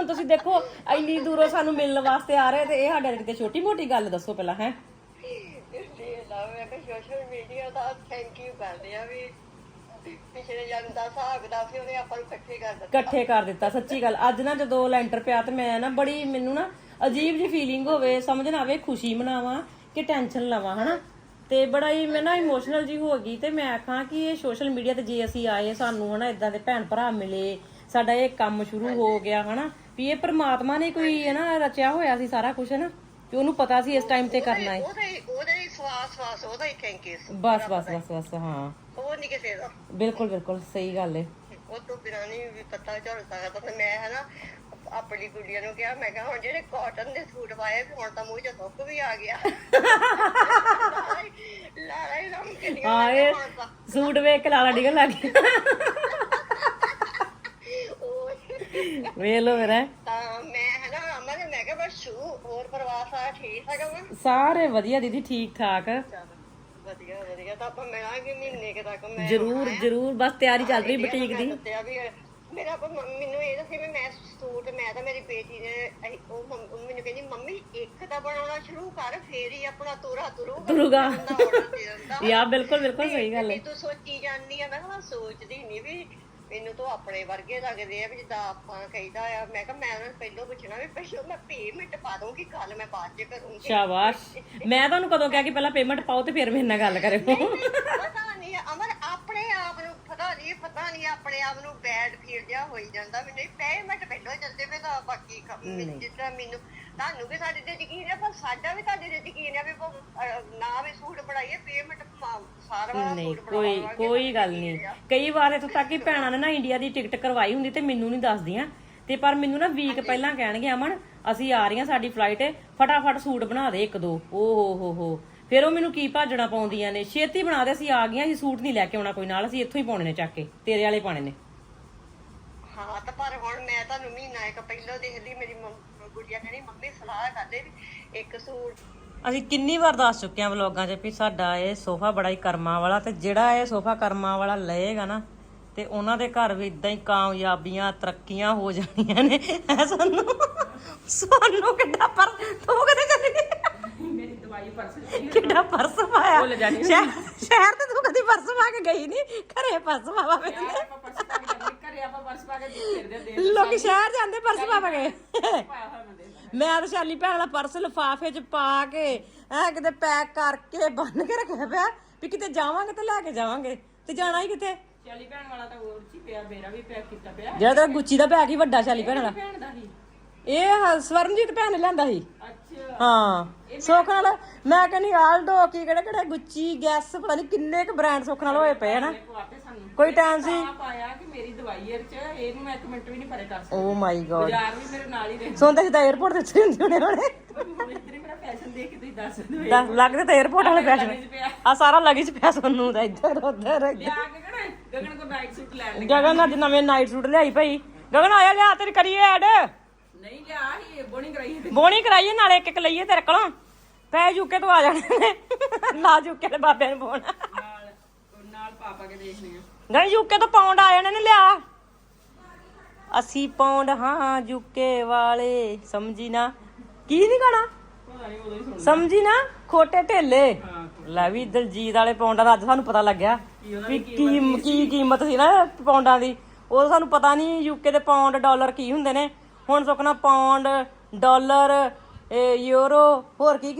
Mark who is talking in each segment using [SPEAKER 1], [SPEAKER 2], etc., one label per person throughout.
[SPEAKER 1] ਹੁਣ ਤੁਸੀਂ ਦੇਖੋ ਇੰਨੀ ਦੂਰੋਂ ਸਾਨੂੰ ਮਿਲਣ ਵਾਸਤੇ ਆ ਰਹੇ ਤੇ ਇਹ ਸਾਡੇ ਕਿਤੇ ਛੋਟੀ ਮੋਟੀ ਗੱਲ ਦੱਸੋ ਪਹਿਲਾਂ ਹੈ।
[SPEAKER 2] ਮੈਂ ਕਿਹਾ ਸੋਸ਼ਲ ਮੀਡੀਆ ਦਾ ਥੈਂਕ ਯੂ ਕਰਦੇ ਆ ਵੀ ਪਿਛਲੇ ਜਨਮ ਦਾ ਹਿਸਾਬ ਦਾ ਸੀ ਉਹਨੇ ਆਪਾਂ ਨੂੰ
[SPEAKER 1] ਇਕੱਠੇ ਕਰ ਦਿੱਤਾ ਸੱਚੀ ਗੱਲ। ਅੱਜ ਨਾ ਜਦੋਂ ਲੈਂਟਰ ਪਿਆ ਤੇ ਮੈਂ ਨਾ ਬੜੀ ਮੈਨੂੰ ਨਾ ਅਜੀਬ ਜੀ ਫੀਲਿੰਗ ਹੋਵੇ, ਸਮਝ ਨਾ ਆਵੇ ਖੁਸ਼ੀ ਮਨਾਵਾਂ ਕਿ ਟੈਨਸ਼ਨ ਲਵਾਂ ਹਨਾ। ਤੇ ਬੜਾ ਹੀ ਮੈਂ ਨਾ ਇਮੋਸ਼ਨਲ ਜੀ ਹੋ ਗਈ ਤੇ ਮੈਂ ਆਖਾਂ ਕਿ ਇਹ ਸੋਸ਼ਲ ਮੀਡੀਆ ਤੇ ਜੇ ਅਸੀਂ ਆਏ ਸਾਨੂੰ ਹਨਾ ਇਦਾਂ ਦੇ ਭੈਣ ਭਰਾ ਮਿਲੇ, ਸਾਡਾ ਇਹ ਕੰਮ ਸ਼ੁਰੂ ਹੋ ਗਿਆ ਹਨਾ ਵੀ ਇਹ ਪ੍ਰਮਾਤਮਾ ਨੇ ਕੋਈ ਹੈ ਨਾ ਰਚਿਆ ਹੋਇਆ ਸੀ ਸਾਰਾ ਕੁਝ ਹਨਾ ਤੇ ਉਹਨੂੰ ਪਤਾ ਸੀ ਇਸ ਟਾਈਮ ਤੇ ਕਰਨਾ ਹੈ।
[SPEAKER 2] ਉਹਦੇ ਸਵਾਸ ਉਹਦਾ ਹੀ ਥੈਂਕ ਯੂ
[SPEAKER 1] ਬਸ ਬਸ ਬਸ ਬਸ ਹਾਂ
[SPEAKER 2] ਉਹ ਨਹੀਂ ਕਿਸੇ ਦਾ।
[SPEAKER 1] ਬਿਲਕੁਲ ਬਿਲਕੁਲ ਸਹੀ ਗੱਲ ਹੈ।
[SPEAKER 2] ਉਹ ਤੋਂ ਬਿਨਾਂ ਨਹੀਂ ਵੀ ਪਤਾ ਚੱਲ ਸਕਦਾ। ਤੇ ਮੈਂ ਹਨਾ ਆਪਣੀ ਗੁੱਡੀਆਂ ਨੂੰ ਕਿਹਾ ਮੈਂ ਕਿਹਾ ਹੁਣ ਜਿਹੜੇ ਕਾਟਨ ਦੇ ਸੂਟ ਪਾਏ ਹੁਣ ਤਾਂ ਮੂੰਹ 'ਚ ਥੁੱਕ ਵੀ ਆ ਗਿਆ। ਲਾਲਾ ਹੀ ਰੰਗ ਕਿੰਨੀਆਂ
[SPEAKER 1] ਹਾਂ ਇਹ ਸੂਟ ਵੇਖ ਕੇ ਲਾਲਾ ਡਿੱਗਣ ਲੱਗ ਗਿਆ। ਵੇਖ ਲੋ ਮੇਰਾ
[SPEAKER 2] ਤਾਂ ਮੈਂ ਹਨਾ ਅਮਨ ਮੈਂ ਕਿਹਾ ਬਸ ਹੋਰ ਪਰਿਵਾਰ ਸਾਰਾ ਠੀਕ ਹੈਗਾ ਵਾ?
[SPEAKER 1] ਸਾਰੇ ਵਧੀਆ ਦੀਦੀ ਠੀਕ ਠਾਕ।
[SPEAKER 2] ਵਧੀਆ ਵਧੀਆ ਤਾਂ ਆਪਾਂ ਮਿਲਾਂਗੇ ਮਹੀਨੇ ਕੇ ਤੱਕ। ਮੈਂ
[SPEAKER 1] ਜਰੂਰ ਜਰੂਰ ਬਸ ਤਿਆਰੀ ਚੱਲ ਰਹੀ ਬੁਟੀਕ ਦੀ।
[SPEAKER 2] ਮੇਰਾ ਮੈਨੂੰ ਇਹ ਦੱਸੀ ਵੀ ਮੈਂ ਸੂਟ ਮੈਂ ਤਾਂ ਮੇਰੀ ਬੇਟੀ ਨੇ ਉਹ ਮੈਨੂੰ ਕਹਿੰਦੀ ਮੰਮੀ ਇੱਕ ਤਾਂ ਬਣਾਉਣਾ ਸ਼ੁਰੂ ਕਰ ਫੇਰ ਹੀ ਆਪਣਾ ਤੁਰੂਗਾ।
[SPEAKER 1] ਯਾ ਬਿਲਕੁਲ ਬਿਲਕੁਲ ਸਹੀ ਗੱਲ ਹੈ।
[SPEAKER 2] ਤੂੰ ਸੋਚੀ ਜਾਂਦੀ ਆ। ਮੈਂ ਕਿਹਾ ਸੋਚਦੀ ਨਹੀਂ ਵੀ ਮੈਨੂੰ ਤਾਂ ਆਪਣੇ ਵਰਗੇ ਲੱਗਦੇ ਆ ਵੀ ਜਿੱਦਾਂ ਆਪਾਂ ਕਹੀਦਾ ਆ। ਮੈਂ ਕਿਹਾ ਮੈਂ ਉਹਨਾਂ ਨੂੰ ਪਹਿਲਾਂ ਪੁੱਛਣਾ ਵੀ ਪਹਿਲਾਂ ਮੈਂ ਪੇਮੈਂਟ ਪਾ ਦੂੰਗੀ ਕੱਲ ਮੈਂ ਬਾਅਦ ਚ ਕਰੂੰਗੀ।
[SPEAKER 1] ਸ਼ਾਬਾਸ਼। ਮੈਂ ਤੁਹਾਨੂੰ ਕਦੋਂ ਕਿਹਾ ਕਿ ਪਹਿਲਾਂ ਪੇਮੈਂਟ ਪਾਓ ਤੇ ਫਿਰ ਮੇਰੇ ਨਾਲ ਗੱਲ ਕਰਿਓ।
[SPEAKER 2] ਪਤਾ ਨਹੀਂ ਅਮਰ ਆਪਣੇ ਆਪ ਨੂੰ ਪਤਾ ਨਹੀਂ ਆਪਣੇ ਆਪ ਨੂੰ ਬੈਡ ਫੀਲ ਜਿਹਾ ਹੋਈ ਜਾਂਦਾ। ਮੈਨੂੰ ਪੇਮੈਂਟ ਪਹਿਲਾਂ ਚੱਲਦੇ ਪਏ ਤਾਂ ਬਾਕੀ ਜਿੱਦਾਂ ਮੈਨੂੰ ਤੁਹਾਨੂੰ ਵੀ ਸਾਡੇ ਤੇ ਯਕੀਨ ਹੈ ਪਰ ਸਾਡਾ ਵੀ ਤੁਹਾਡੇ ਤੇ ਯਕੀਨ ਹੈ ਵੀ ਨਾ ਵੀ ਸੂਟ ਬਣਾਈਏ ਪੇਮੈਂਟ ਸਾਰਾ ਵਾਲਾ
[SPEAKER 1] ਨਹੀਂ
[SPEAKER 2] ਸੂਟ
[SPEAKER 1] ਕੋਈ ਗੱਲ ਨਹੀਂ। ਕਈ ਵਾਰ ਇੱਥੋਂ ਤੱਕ ਕਿ ਭੈਣਾਂ ਨੇ ਨਾ ਇੰਡੀਆ ਦੀ ਟਿਕਟ ਕਰਵਾਈ ਹੁੰਦੀ ਤੇ ਮੈਨੂੰ ਨਹੀਂ ਦੱਸਦੀਆਂ ਤੇ ਪਰ ਮੈਨੂੰ ਨਾ ਵੀਕ ਪਹਿਲਾਂ ਕਹਿਣਗੇ ਅਮਨ ਅਸੀਂ ਆ ਰਹੀਆਂ ਸਾਡੀ ਫਲਾਈਟ ਹੈ ਫਟਾਫਟ ਸੂਟ ਬਣਾ ਦੇ ਇੱਕ ਦੋ। ਓ ਫਿਰ ਉਹ ਮੈਨੂੰ ਕੀ ਭਾਜਣਾ ਪਾਉਂਦੀਆਂ ਨੇ ਛੇਤੀ ਬਣਾ ਦੇ ਅਸੀਂ ਆ ਗਈਆਂ ਅਸੀਂ ਸੂਟ ਨਹੀਂ ਲੈ ਕੇ ਆਉਣਾ ਕੋਈ ਨਾਲ ਅਸੀਂ ਇੱਥੋਂ ਹੀ ਪਾਉਣੇ ਨੇ ਚੱਕ ਕੇ ਤੇਰੇ ਵਾਲੇ ਪਾਣੇ ਨੇ।
[SPEAKER 2] ਹਾਂ ਤਾਂ ਪਰ ਹੁਣ ਮੈਂ ਤੁਹਾਨੂੰ ਮਹੀਨਾ ਇੱਕ ਪਹਿਲਾਂ ਦੇਖਦੀ ਮੇਰੀ ਗੁੱਡੀਆ ਕਹਿੰਦੀ ਮੰਮੀ ਸਲਾਹ ਕਰਦੇ ਵੀ ਇੱਕ ਸੂਟ।
[SPEAKER 1] ਅਸੀਂ ਕਿੰਨੀ ਵਾਰ ਦੱਸ ਚੁੱਕੇ ਆ ਵਲੋਗਾਂ 'ਚ ਵੀ ਸਾਡਾ ਇਹ ਸੋਫਾ ਬੜਾ ਹੀ ਕਰਮਾਂ ਵਾਲਾ ਤੇ ਜਿਹੜਾ ਇਹ ਸੋਫਾ ਕਰਮਾਂ ਵਾਲਾ ਲਏਗਾ ਨਾ ਤੇ ਉਹਨਾਂ ਦੇ ਘਰ ਵੀ ਇਦਾਂ ਹੀ ਕਾਮਯਾਬੀਆਂ ਤਰੱਕੀਆਂ ਹੋ ਜਾਣੀਆਂ ਨੇ। ਸਾਨੂੰ ਕਿੱਡਾ ਪਰ ਤੂੰ ਕਦੇ ਚੱਲੀ ਮੇਰੀ ਦਵਾਈ ਪਰਸ ਕਿੱਡਾ ਪਰਸ ਪਾਇਆ ਸ਼ਹਿਰ ਤੇ ਤੂੰ ਕਦੀ ਪਰਸ ਪਾ ਕੇ ਗਈ ਨਹੀਂ ਘਰੇ ਪਰਸ ਪਾਵਾ ਲੋਕੀ ਸ਼ਹਿਰ ਜਾਂਦੇ ਪਰਸ ਪਾ ਕੇ। ਮੈਂ ਤਾਂ ਸ਼ਾਲੀ ਭੈਣ ਵਾਲਾ ਪਰਸ ਲਿਫਾਫੇ 'ਚ ਪਾ ਕੇ ਐ ਕਿਤੇ ਪੈਕ ਕਰਕੇ ਬੰਨ ਕੇ ਰੱਖਿਆ ਪਿਆ ਵੀ ਕਿਤੇ ਜਾਵਾਂਗੇ ਤੇ ਲੈ ਕੇ ਜਾਵਾਂਗੇ ਤੇ ਜਾਣਾ ਹੀ ਕਿਤੇ।
[SPEAKER 3] ਸ਼ਾਲੀ ਭੈਣ ਵਾਲਾ ਤਾਂ ਹੋਰ ਚ ਪਿਆ ਮੇਰਾ ਵੀ ਪੈਕ ਕੀਤਾ ਪਿਆ
[SPEAKER 1] ਜਿਹੜਾ ਤੇਰਾ ਗੁੱਚੀ ਦਾ ਬੈਗ ਹੀ ਵੱਡਾ ਸ਼ਾਲੀ ਭੈਣ ਵਾਲਾ ਇਹ ਸਵਰਨਜੀਤ ਭੈਣ ਨੇ ਲਿਆਂਦਾ ਸੀ। ਹਾਂ ਸੁੱਖ ਨਾਲ ਮੈਂ ਕਹਿੰਦੀ ਆਲਡੋ ਕੀ ਕਿਹੜੇ ਗੁੱਚੀ ਗੈਸ ਪਤਾ ਨਹੀਂ ਕਿੰਨੇ ਕੁ ਬ੍ਰਾਂਡ ਸੁੱਖ ਨਾਲ ਹੋਏ ਪਏ ਹਨਾ। ਕੋਈ ਟਾਈਮ ਸੀ
[SPEAKER 3] ਪਾਇਆ ਕਿ ਮੇਰੀ ਦਵਾਈ ਇਹ ਚ ਇਹਨੂੰ ਮੈਂ 1 ਮਿੰਟ ਵੀ ਨਹੀਂ ਪਰੇ ਕਰ ਸਕਦੀ।
[SPEAKER 1] ਓ ਮਾਈ ਗॉड
[SPEAKER 3] ਯਾਰ ਵੀ ਮੇਰੇ ਨਾਲ ਹੀ ਰਹਿੰਦੇ
[SPEAKER 1] ਸੋਂਦੇ ਸਿੱਧਾ 에어ਪੋਰਟ ਤੇ ਉੱਤੇ ਹੁੰਦੇ ਹੋਣੇ
[SPEAKER 3] ਇੱਧਰ ਮੇਰਾ ਫੈਸ਼ਨ ਦੇਖ ਕੇ ਤੁਸੀਂ ਦੱਸ ਦਿਓ।
[SPEAKER 1] ਲੱਗਦੇ ਤਾਂ 에어ਪੋਰਟ ਵਾਲੇ ਫੈਸ਼ਨ ਆ ਸਾਰਾ ਲਗੇਜ ਪਿਆ ਸੋਨੂੰ ਦਾ ਇੱਧਰ ਉੱਧਰ।
[SPEAKER 3] ਗਗਨ ਕੋ ਨਾਈਟ ਸੂਟ ਲੈ ਲੈ।
[SPEAKER 1] ਗਗਨ ਅੱਜ ਨਵੇਂ ਨਾਈਟ ਸੂਟ ਲਿਆਈ ਭਾਈ। ਗਗਨ ਆਇਆ ਲਿਆ ਤੇਰੀ ਕਰੀਏ ਐਡ
[SPEAKER 3] ਨਹੀਂ ਲਿਆ ਹੀ
[SPEAKER 1] ਬੋਣੀ ਕਰਾਈਏ ਨਾਲੇ ਇੱਕ ਲਈਏ ਤੇਰੇ ਕੋਲੋਂ ਪੈ ਜੁਕੇ ਤੋਂ ਆ ਜਾਣੇ ਨੇ ਨਾ ਜੁਕੇ ਦੇ ਬਾਬੇ ਨੂੰ ਪਾਉਣਾ
[SPEAKER 3] ਨਾਲ ਪਾਪਾ ਕੇ ਦੇਖਨੇ ਆ।
[SPEAKER 1] ਨਹੀਂ ਯੂਕੇ ਤੋਂ ਪਾਉਂਡ ਆ ਜਾਣੇ ਨੇ ਲਿਆ। ਅਸੀਂ ਪਾਉਂਡ ਹਾਂ ਯੂਕੇ ਵਾਲੇ ਸਮਝੀ ਨਾ ਕੀ ਨਹੀਂ ਗਾਣਾ ਸਮਝੀ ਨਾ ਖੋਟੇ ਢੇਲੇ। ਲੈ ਵੀ ਦਲਜੀਤ ਵਾਲੇ ਪੌਂਡਾਂ ਦਾ ਅੱਜ ਸਾਨੂੰ ਪਤਾ ਲੱਗਿਆ ਵੀ ਕੀ ਕੀਮਤ ਸੀ ਨਾ ਪੌਂਡਾਂ ਦੀ। ਉਹ ਸਾਨੂੰ ਪਤਾ ਨਹੀਂ ਯੂਕੇ ਦੇ ਪੌਂਡ ਡਾਲਰ ਕੀ ਹੁੰਦੇ ਨੇ। ਹੁਣ ਸੁੱਕਣਾ ਪੌਂਡ ਡਾਲਰ ਯੂਰੋ ਹੋਰ ਕੀ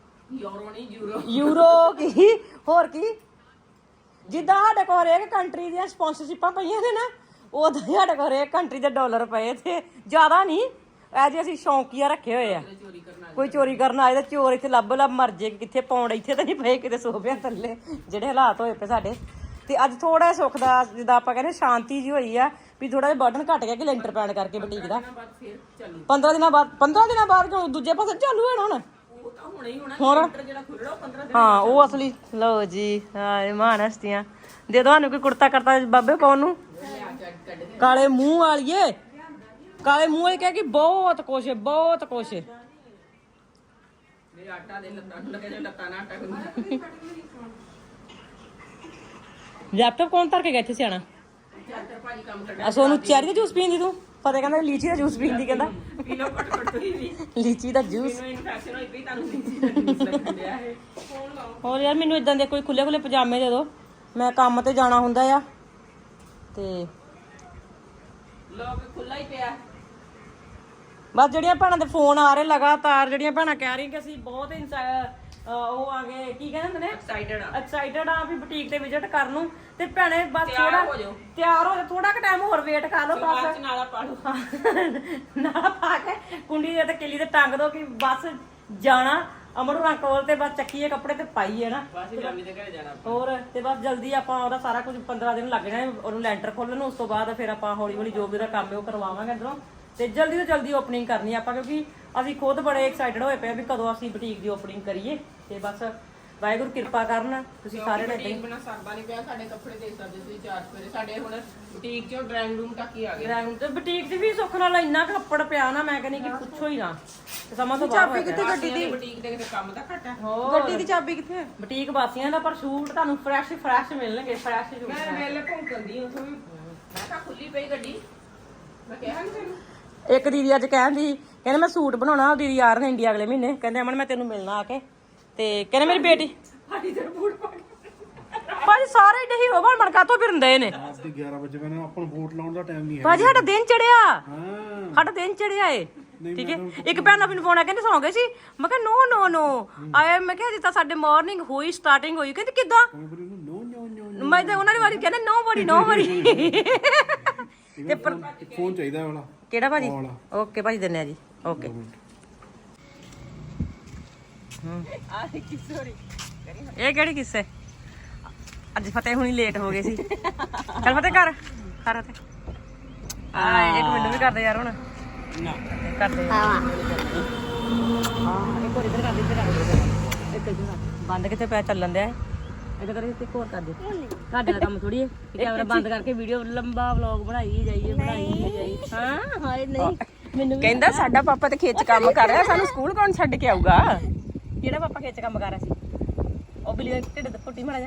[SPEAKER 1] ਯੂਰੋ ਕੀ ਹੋਰ ਕੀ ਜਿੱਦਾਂ ਸਾਡੇ ਕੋਲ ਹਰੇਕ ਕੰਟਰੀ ਦੀਆਂ ਸਪਾਂਸਰਸ਼ਿਪਾਂ ਪਈਆਂ ਨੇ ਨਾ ਉਦਾਂ ਸਾਡੇ ਕੋਲ ਹਰੇਕ ਕੰਟਰੀ ਦੇ ਡਾਲਰ ਪਏ ਤੇ ਜ਼ਿਆਦਾ ਨਹੀਂ ਐ ਅਸੀਂ ਸ਼ੌਂਕੀਆ ਰੱਖੇ ਹੋਏ ਆ। ਕੋਈ ਚੋਰੀ ਕਰਨ ਆਏ ਤਾਂ ਚੋਰ ਇੱਥੇ ਲੱਭ ਮਰ ਜੇ ਕਿੱਥੇ ਪੌਂਡ ਇੱਥੇ ਤਾਂ ਨਹੀਂ ਪਏ ਕਿਤੇ ਸੋਫਿਆਂ ਥੱਲੇ ਜਿਹੜੇ ਹਾਲਾਤ ਹੋਏ ਪਏ ਸਾਡੇ। ਤੇ ਅੱਜ ਥੋੜਾ ਸੁੱਖ ਦਾ ਜਿੱਦਾਂ ਆਪਾਂ ਕਹਿੰਦੇ ਸ਼ਾਂਤੀ ਜੀ ਹੋਈ ਆ ਵੀ ਥੋੜਾ ਜਿਹਾ ਬਟਨ ਘਟ ਗਿਆ ਕਿ ਲੈਂਟਰ ਪੈਣ ਕਰਕੇ ਬੁਟੀਕ ਦਾ 15 ਦਿਨਾਂ ਬਾਅਦ ਦੂਜੇ ਪਾਸੇ ਚਾਲੂ ਹੋਣਾ ਹੁਣ ਹਾਂ ਉਹ ਅਸਲੀ। ਲਓ ਜੀ ਮਹਾਨ ਹਸਤੀਆਂ ਦੇ ਦੋ ਸਾਨੂੰ ਕੋਈ ਕੁੜਤਾ ਕਰਤਾ ਬਾਬੇ ਪਾਉਣ ਨੂੰ। ਕਾਲੇ ਮੂੰਹ ਵਾਲੀਏ ਕਾਲੇ ਮੂੰਹ ਵਾਲੀ ਕਹਿ ਕਿ ਬਹੁਤ ਕੁਛ ਲੈਪਟਾਪ ਕੌਣ ਧਰ ਕੇ ਗਿਆ ਇੱਥੇ ਸਿਆਣਾ। ਸੋਨੂੰ ਚੈਰੀ ਦਾ ਜੂਸ ਪੀਂਦੀ ਤੂੰ ਫਤਿਹ ਕਹਿੰਦਾ ਲੀਚੀ ਦਾ ਜੂਸ ਪੀਂਦੀ ਕਹਿੰਦਾ
[SPEAKER 3] ਪੀ ਲਓ ਘੱਟ ਘੱਟ ਤੁਸੀਂ ਵੀ
[SPEAKER 1] ਲੀਚੀ ਦਾ ਜੂਸ।
[SPEAKER 3] ਮੈਨੂੰ ਇਨਫੈਕਸ਼ਨ ਹੋਈ ਪਈ ਤੁਹਾਨੂੰ ਲੀਚੀ ਦਾ ਜੂਸ ਲੱਗਣ ਡਿਆ ਇਹ ਫੋਨ ਲਾਓ
[SPEAKER 1] ਹੋਰ ਯਾਰ ਮੈਨੂੰ ਇਦਾਂ ਦੇ ਕੋਈ ਖੁੱਲੇ ਪਜਾਮੇ ਦੇ ਦਿਓ, ਮੈਂ ਕੰਮ ਤੇ ਜਾਣਾ ਹੁੰਦਾ ਆ ਤੇ
[SPEAKER 3] ਲੋਕ ਖੁੱਲਾ ਹੀ ਪਿਆ
[SPEAKER 1] ਬਸ ਜਿਹੜੀਆਂ ਭੈਣਾਂ ਦੇ ਫੋਨ ਆ ਰਹੇ ਲਗਾਤਾਰ, ਜਿਹੜੀਆਂ ਭੈਣਾਂ ਕਹਿ ਰਹੀਆਂ ਕਿ ਅਸੀਂ ਬਹੁਤ ਉਹ ਆ ਗਏ ਕੀ ਕਹਿੰਦੇ ਹੁੰਦੇ ਨੇ ਐਕਸਾਈਟਡ ਆ ਵੀ ਬੁਟੀਕ ਤੇ ਵਿਜ਼ਿਟ ਕਰਨ ਨੂੰ। ਤੇ ਭੈਣੇ ਬਸ ਥੋੜਾ ਤਿਆਰ ਹੋ ਜਾ, ਥੋੜਾ ਕੁ ਟਾਈਮ ਹੋਰ ਵੇਟ ਕਰ ਲਓ ਬਸ।
[SPEAKER 3] ਨਾਲਾ ਪਾ ਲਓ
[SPEAKER 1] ਨਾਲਾ ਪਾ ਕੇ ਕੁੰਡੀ ਦੇ ਤੇ ਕਿੱਲੀ ਤੇ ਟੰਗ ਦੋ ਕਿ ਬਸ ਜਾਣਾ ਅਮਰੂ ਨਾਲ ਕੋਲ ਤੇ ਬਸ ਚੱਕੀਏ ਕੱਪੜੇ ਤੇ ਪਾਈਏ ਨਾ
[SPEAKER 3] ਬਸ ਜਾਮੀ ਦੇ ਘਰੇ ਜਾਣਾ
[SPEAKER 1] ਹੋਰ। ਤੇ ਬਸ ਜਲਦੀ ਆਪਾਂ ਉਹਦਾ ਸਾਰਾ ਕੁਝ 15 ਦਿਨ ਲੱਗ ਜਾਣੇ ਉਹਨੂੰ ਲੈਂਟਰ ਖੋਲਣ ਨੂੰ। ਉਸ ਤੋਂ ਬਾਅਦ ਫਿਰ ਆਪਾਂ ਹੌਲੀ ਹੌਲੀ ਜੋ ਵੀ ਉਹਦਾ ਕੰਮ ਹੈ ਉਹ ਕਰਵਾਵਾਂਗੇ ਅੰਦਰੋਂ ਤੇ ਜਲਦੀ ਤੋਂ ਜਲਦੀ ਓਪਨਿੰਗ ਕਰਨੀ ਆਪਾਂ, ਕਿਉਂਕਿ ਅਸੀਂ ਖੁਦ ਬੜੇ ਐਕਸਾਈਟਡ ਹੋਏ ਪਏ ਵੀ ਕਦੋਂ ਅਸੀਂ ਬੁਟੀਕ ਦੀ ਓਪਨਿੰਗ ਕਰੀਏ। ਤੇ ਬਸ ਵਾਹਿਗੁਰੂ ਕਿਰਪਾ ਕਰਨ ਤੁਸੀਂ ਸਾਰੇ ਨੇ
[SPEAKER 3] ਬੁਟੀਕ ਬਣਾ ਸਰਦਾ ਨਹੀਂ ਪਿਆ, ਸਾਡੇ ਕੱਪੜੇ ਦੇ ਸਕਦੇ ਤੁਸੀਂ ਚਾਰ ਸਵੇਰੇ ਸਾਡੇ ਹੁਣ ਬੁਟੀਕ ਚੋਂ ਡਰਾਇੰਗ ਰੂਮ ਤੱਕ ਹੀ ਆ ਗਏ।
[SPEAKER 1] ਡਰਾਇੰਗ ਤੇ ਬੁਟੀਕ ਦੀ ਵੀ ਸੁੱਖ ਨਾਲ ਇੰਨਾ ਕੱਪੜ ਪਿਆ ਨਾ, ਮੈਂ ਕਹਿੰਦੀ ਕਿ ਪੁੱਛੋ ਹੀ ਨਾ। ਤੇ ਸਮਾਂ ਤੋਂ ਬਾਅਦ
[SPEAKER 3] ਚਾਬੀ ਕਿੱਥੇ ਗੱਡੀ ਦੀ? ਬੁਟੀਕ ਦੇ ਕਿਤੇ ਕੰਮ ਦਾ ਘਟਾ
[SPEAKER 1] ਗੱਡੀ ਦੀ ਚਾਬੀ ਕਿੱਥੇ ਹੈ? ਬੁਟੀਕ ਵਾਸੀਆਂ ਦਾ ਪਰ ਸ਼ੂਟ ਤੁਹਾਨੂੰ ਫਰੈਸ਼ ਮਿਲਣਗੇ, ਫਰੈਸ਼ ਸ਼ੂਟ।
[SPEAKER 3] ਮੈਂ ਵੇਲੇ ਭੌਂਕਦੀ ਹਾਂ ਉਥੋਂ ਵੀ, ਮੈਂ ਤਾਂ ਖੁੱਲੀ ਪਈ ਗੱਡੀ, ਮੈਂ ਕਿਹਾ ਨਹੀਂ ਤੈਨੂੰ।
[SPEAKER 1] ਇੱਕ ਦੀਦੀ ਅੱਜ ਕਹਿੰਦੀ ਕਹਿੰਦੇ ਮੈਂ ਸੂਟ ਬਣਾਉਣਾ, ਉਹ ਦੀਦੀ ਆ ਰਹੇ ਨੇ ਇੰਡੀਆ ਅਗਲੇ ਮਹੀਨੇ, ਕਹਿੰਦੇ ਅਮਨ ਮੈਂ ਤੈਨੂੰ ਮਿਲਣਾ ਆ ਕੇ। ਤੇ ਕਹਿੰਦੇ ਮੇਰੀ ਬੇਟੀ
[SPEAKER 3] ਭਾਜੀ ਤੇ ਬੂਟ ਪਾ ਕੇ
[SPEAKER 1] ਭਾਜੀ ਸਾਰੇ ਏਡੇ ਹੀਰੋ ਬਣ ਬਣ ਕਾਤੋਂ ਫਿਰਦੇ ਨੇ।
[SPEAKER 4] ਰਾਤ ਦੇ 11 ਵਜੇ ਮੈਨੂੰ ਆਪਾਂ ਨੂੰ ਵੋਟ ਲਾਉਣ ਦਾ ਟਾਈਮ ਨਹੀਂ ਹੈ।
[SPEAKER 1] ਭਾਜੀ ਸਾਡਾ ਦਿਨ ਚੜਿਆ,
[SPEAKER 4] ਹਾਂ
[SPEAKER 1] ਸਾਡਾ ਦਿਨ ਚੜਿਆ ਏ ਠੀਕ ਹੈ। ਇੱਕ ਭੈਣ ਮੈਨੂੰ ਫੋਨ ਆ ਕਹਿੰਦੇ ਸੌਂ ਗਏ ਸੀ, ਮੈਂ ਕਿਹਾ ਨੋ ਆਏ, ਮੈਂ ਕਿਹਾ ਜਿੱਦਾਂ ਸਾਡੇ ਮਾਰਨਿੰਗ ਹੋਈ ਸਟਾਰਟਿੰਗ ਹੋਈ, ਕਹਿੰਦੇ ਕਿੱਦਾਂ?
[SPEAKER 4] ਨੋ
[SPEAKER 1] ਮੈਂ ਤਾਂ ਉਹਨਾਂ ਦੀ ਵਾਰੀ ਕਹਿੰਦੇ ਨੋ ਬੜੀ
[SPEAKER 4] ਤੇ ਫੋਨ ਚਾਹੀਦਾ ਵਾਲਾ
[SPEAKER 1] ਕਿਹੜਾ ਭਾਜੀ? ਓਕੇ ਭਾਜੀ ਦਿੰਨੇ ਆ ਜੀ, ਓਕੇ। ਇਹ ਕਿਹੜੀ ਕਿੱਸੇ? ਅੱਜ ਫਤਿਹ ਹੁਣੀ ਲੇਟ ਹੋ ਗਏ ਸੀ। ਚੱਲ ਫਤਿਹ ਕਰ ਫਤਿਹ। ਇੱਕ ਮੈਨੂੰ ਵੀ ਕਰਦੇ ਯਾਰ ਹੁਣ
[SPEAKER 3] ਨਾ
[SPEAKER 1] ਕਰਦੇ ਹਾਂ ਇੱਕ ਹੋਰ ਇਧਰ ਕਰ ਦੇ, ਇੱਧਰ ਕਰ ਇੱਕ ਇੱਧਰ ਬੰਦ ਕਿੱਥੇ ਪਿਆ ਚੱਲਣ ਦਿਆ ਇਹਦਾ ਕਰੇ ਤੇ ਹੋਰ ਕਰ ਦੇ। ਤੁਹਾਡੇ ਦਾ ਕੰਮ ਥੋੜੀ ਹੈ ਕੈਮਰਾ ਬੰਦ ਕਰਕੇ ਵੀਡੀਓ ਲੰਬਾ ਵਲੌਗ ਬਣਾਈ ਜਾਈਏ ਹਾਂ ਹਾਏ ਨਹੀਂ ਮੈਨੂੰ
[SPEAKER 3] ਕਹਿੰਦਾ ਸਾਡਾ ਪਾਪਾ ਤੇ ਖੇਚ ਕੰਮ ਕਰ ਰਿਹਾ, ਸਾਨੂੰ ਸਕੂਲ ਕੌਣ ਛੱਡ ਕੇ ਆਊਗਾ?
[SPEAKER 1] ਕਿਹੜਾ ਪਾਪਾ ਖੇਚ ਕੰਮ ਕਰ ਰਿਹਾ ਸੀ? ਉਹ ਬਿੱਲੀ ਦੇ ਢਿੱਡ ਤੇ ਫੁੱਟੀ ਮਾੜਾ ਜਾ।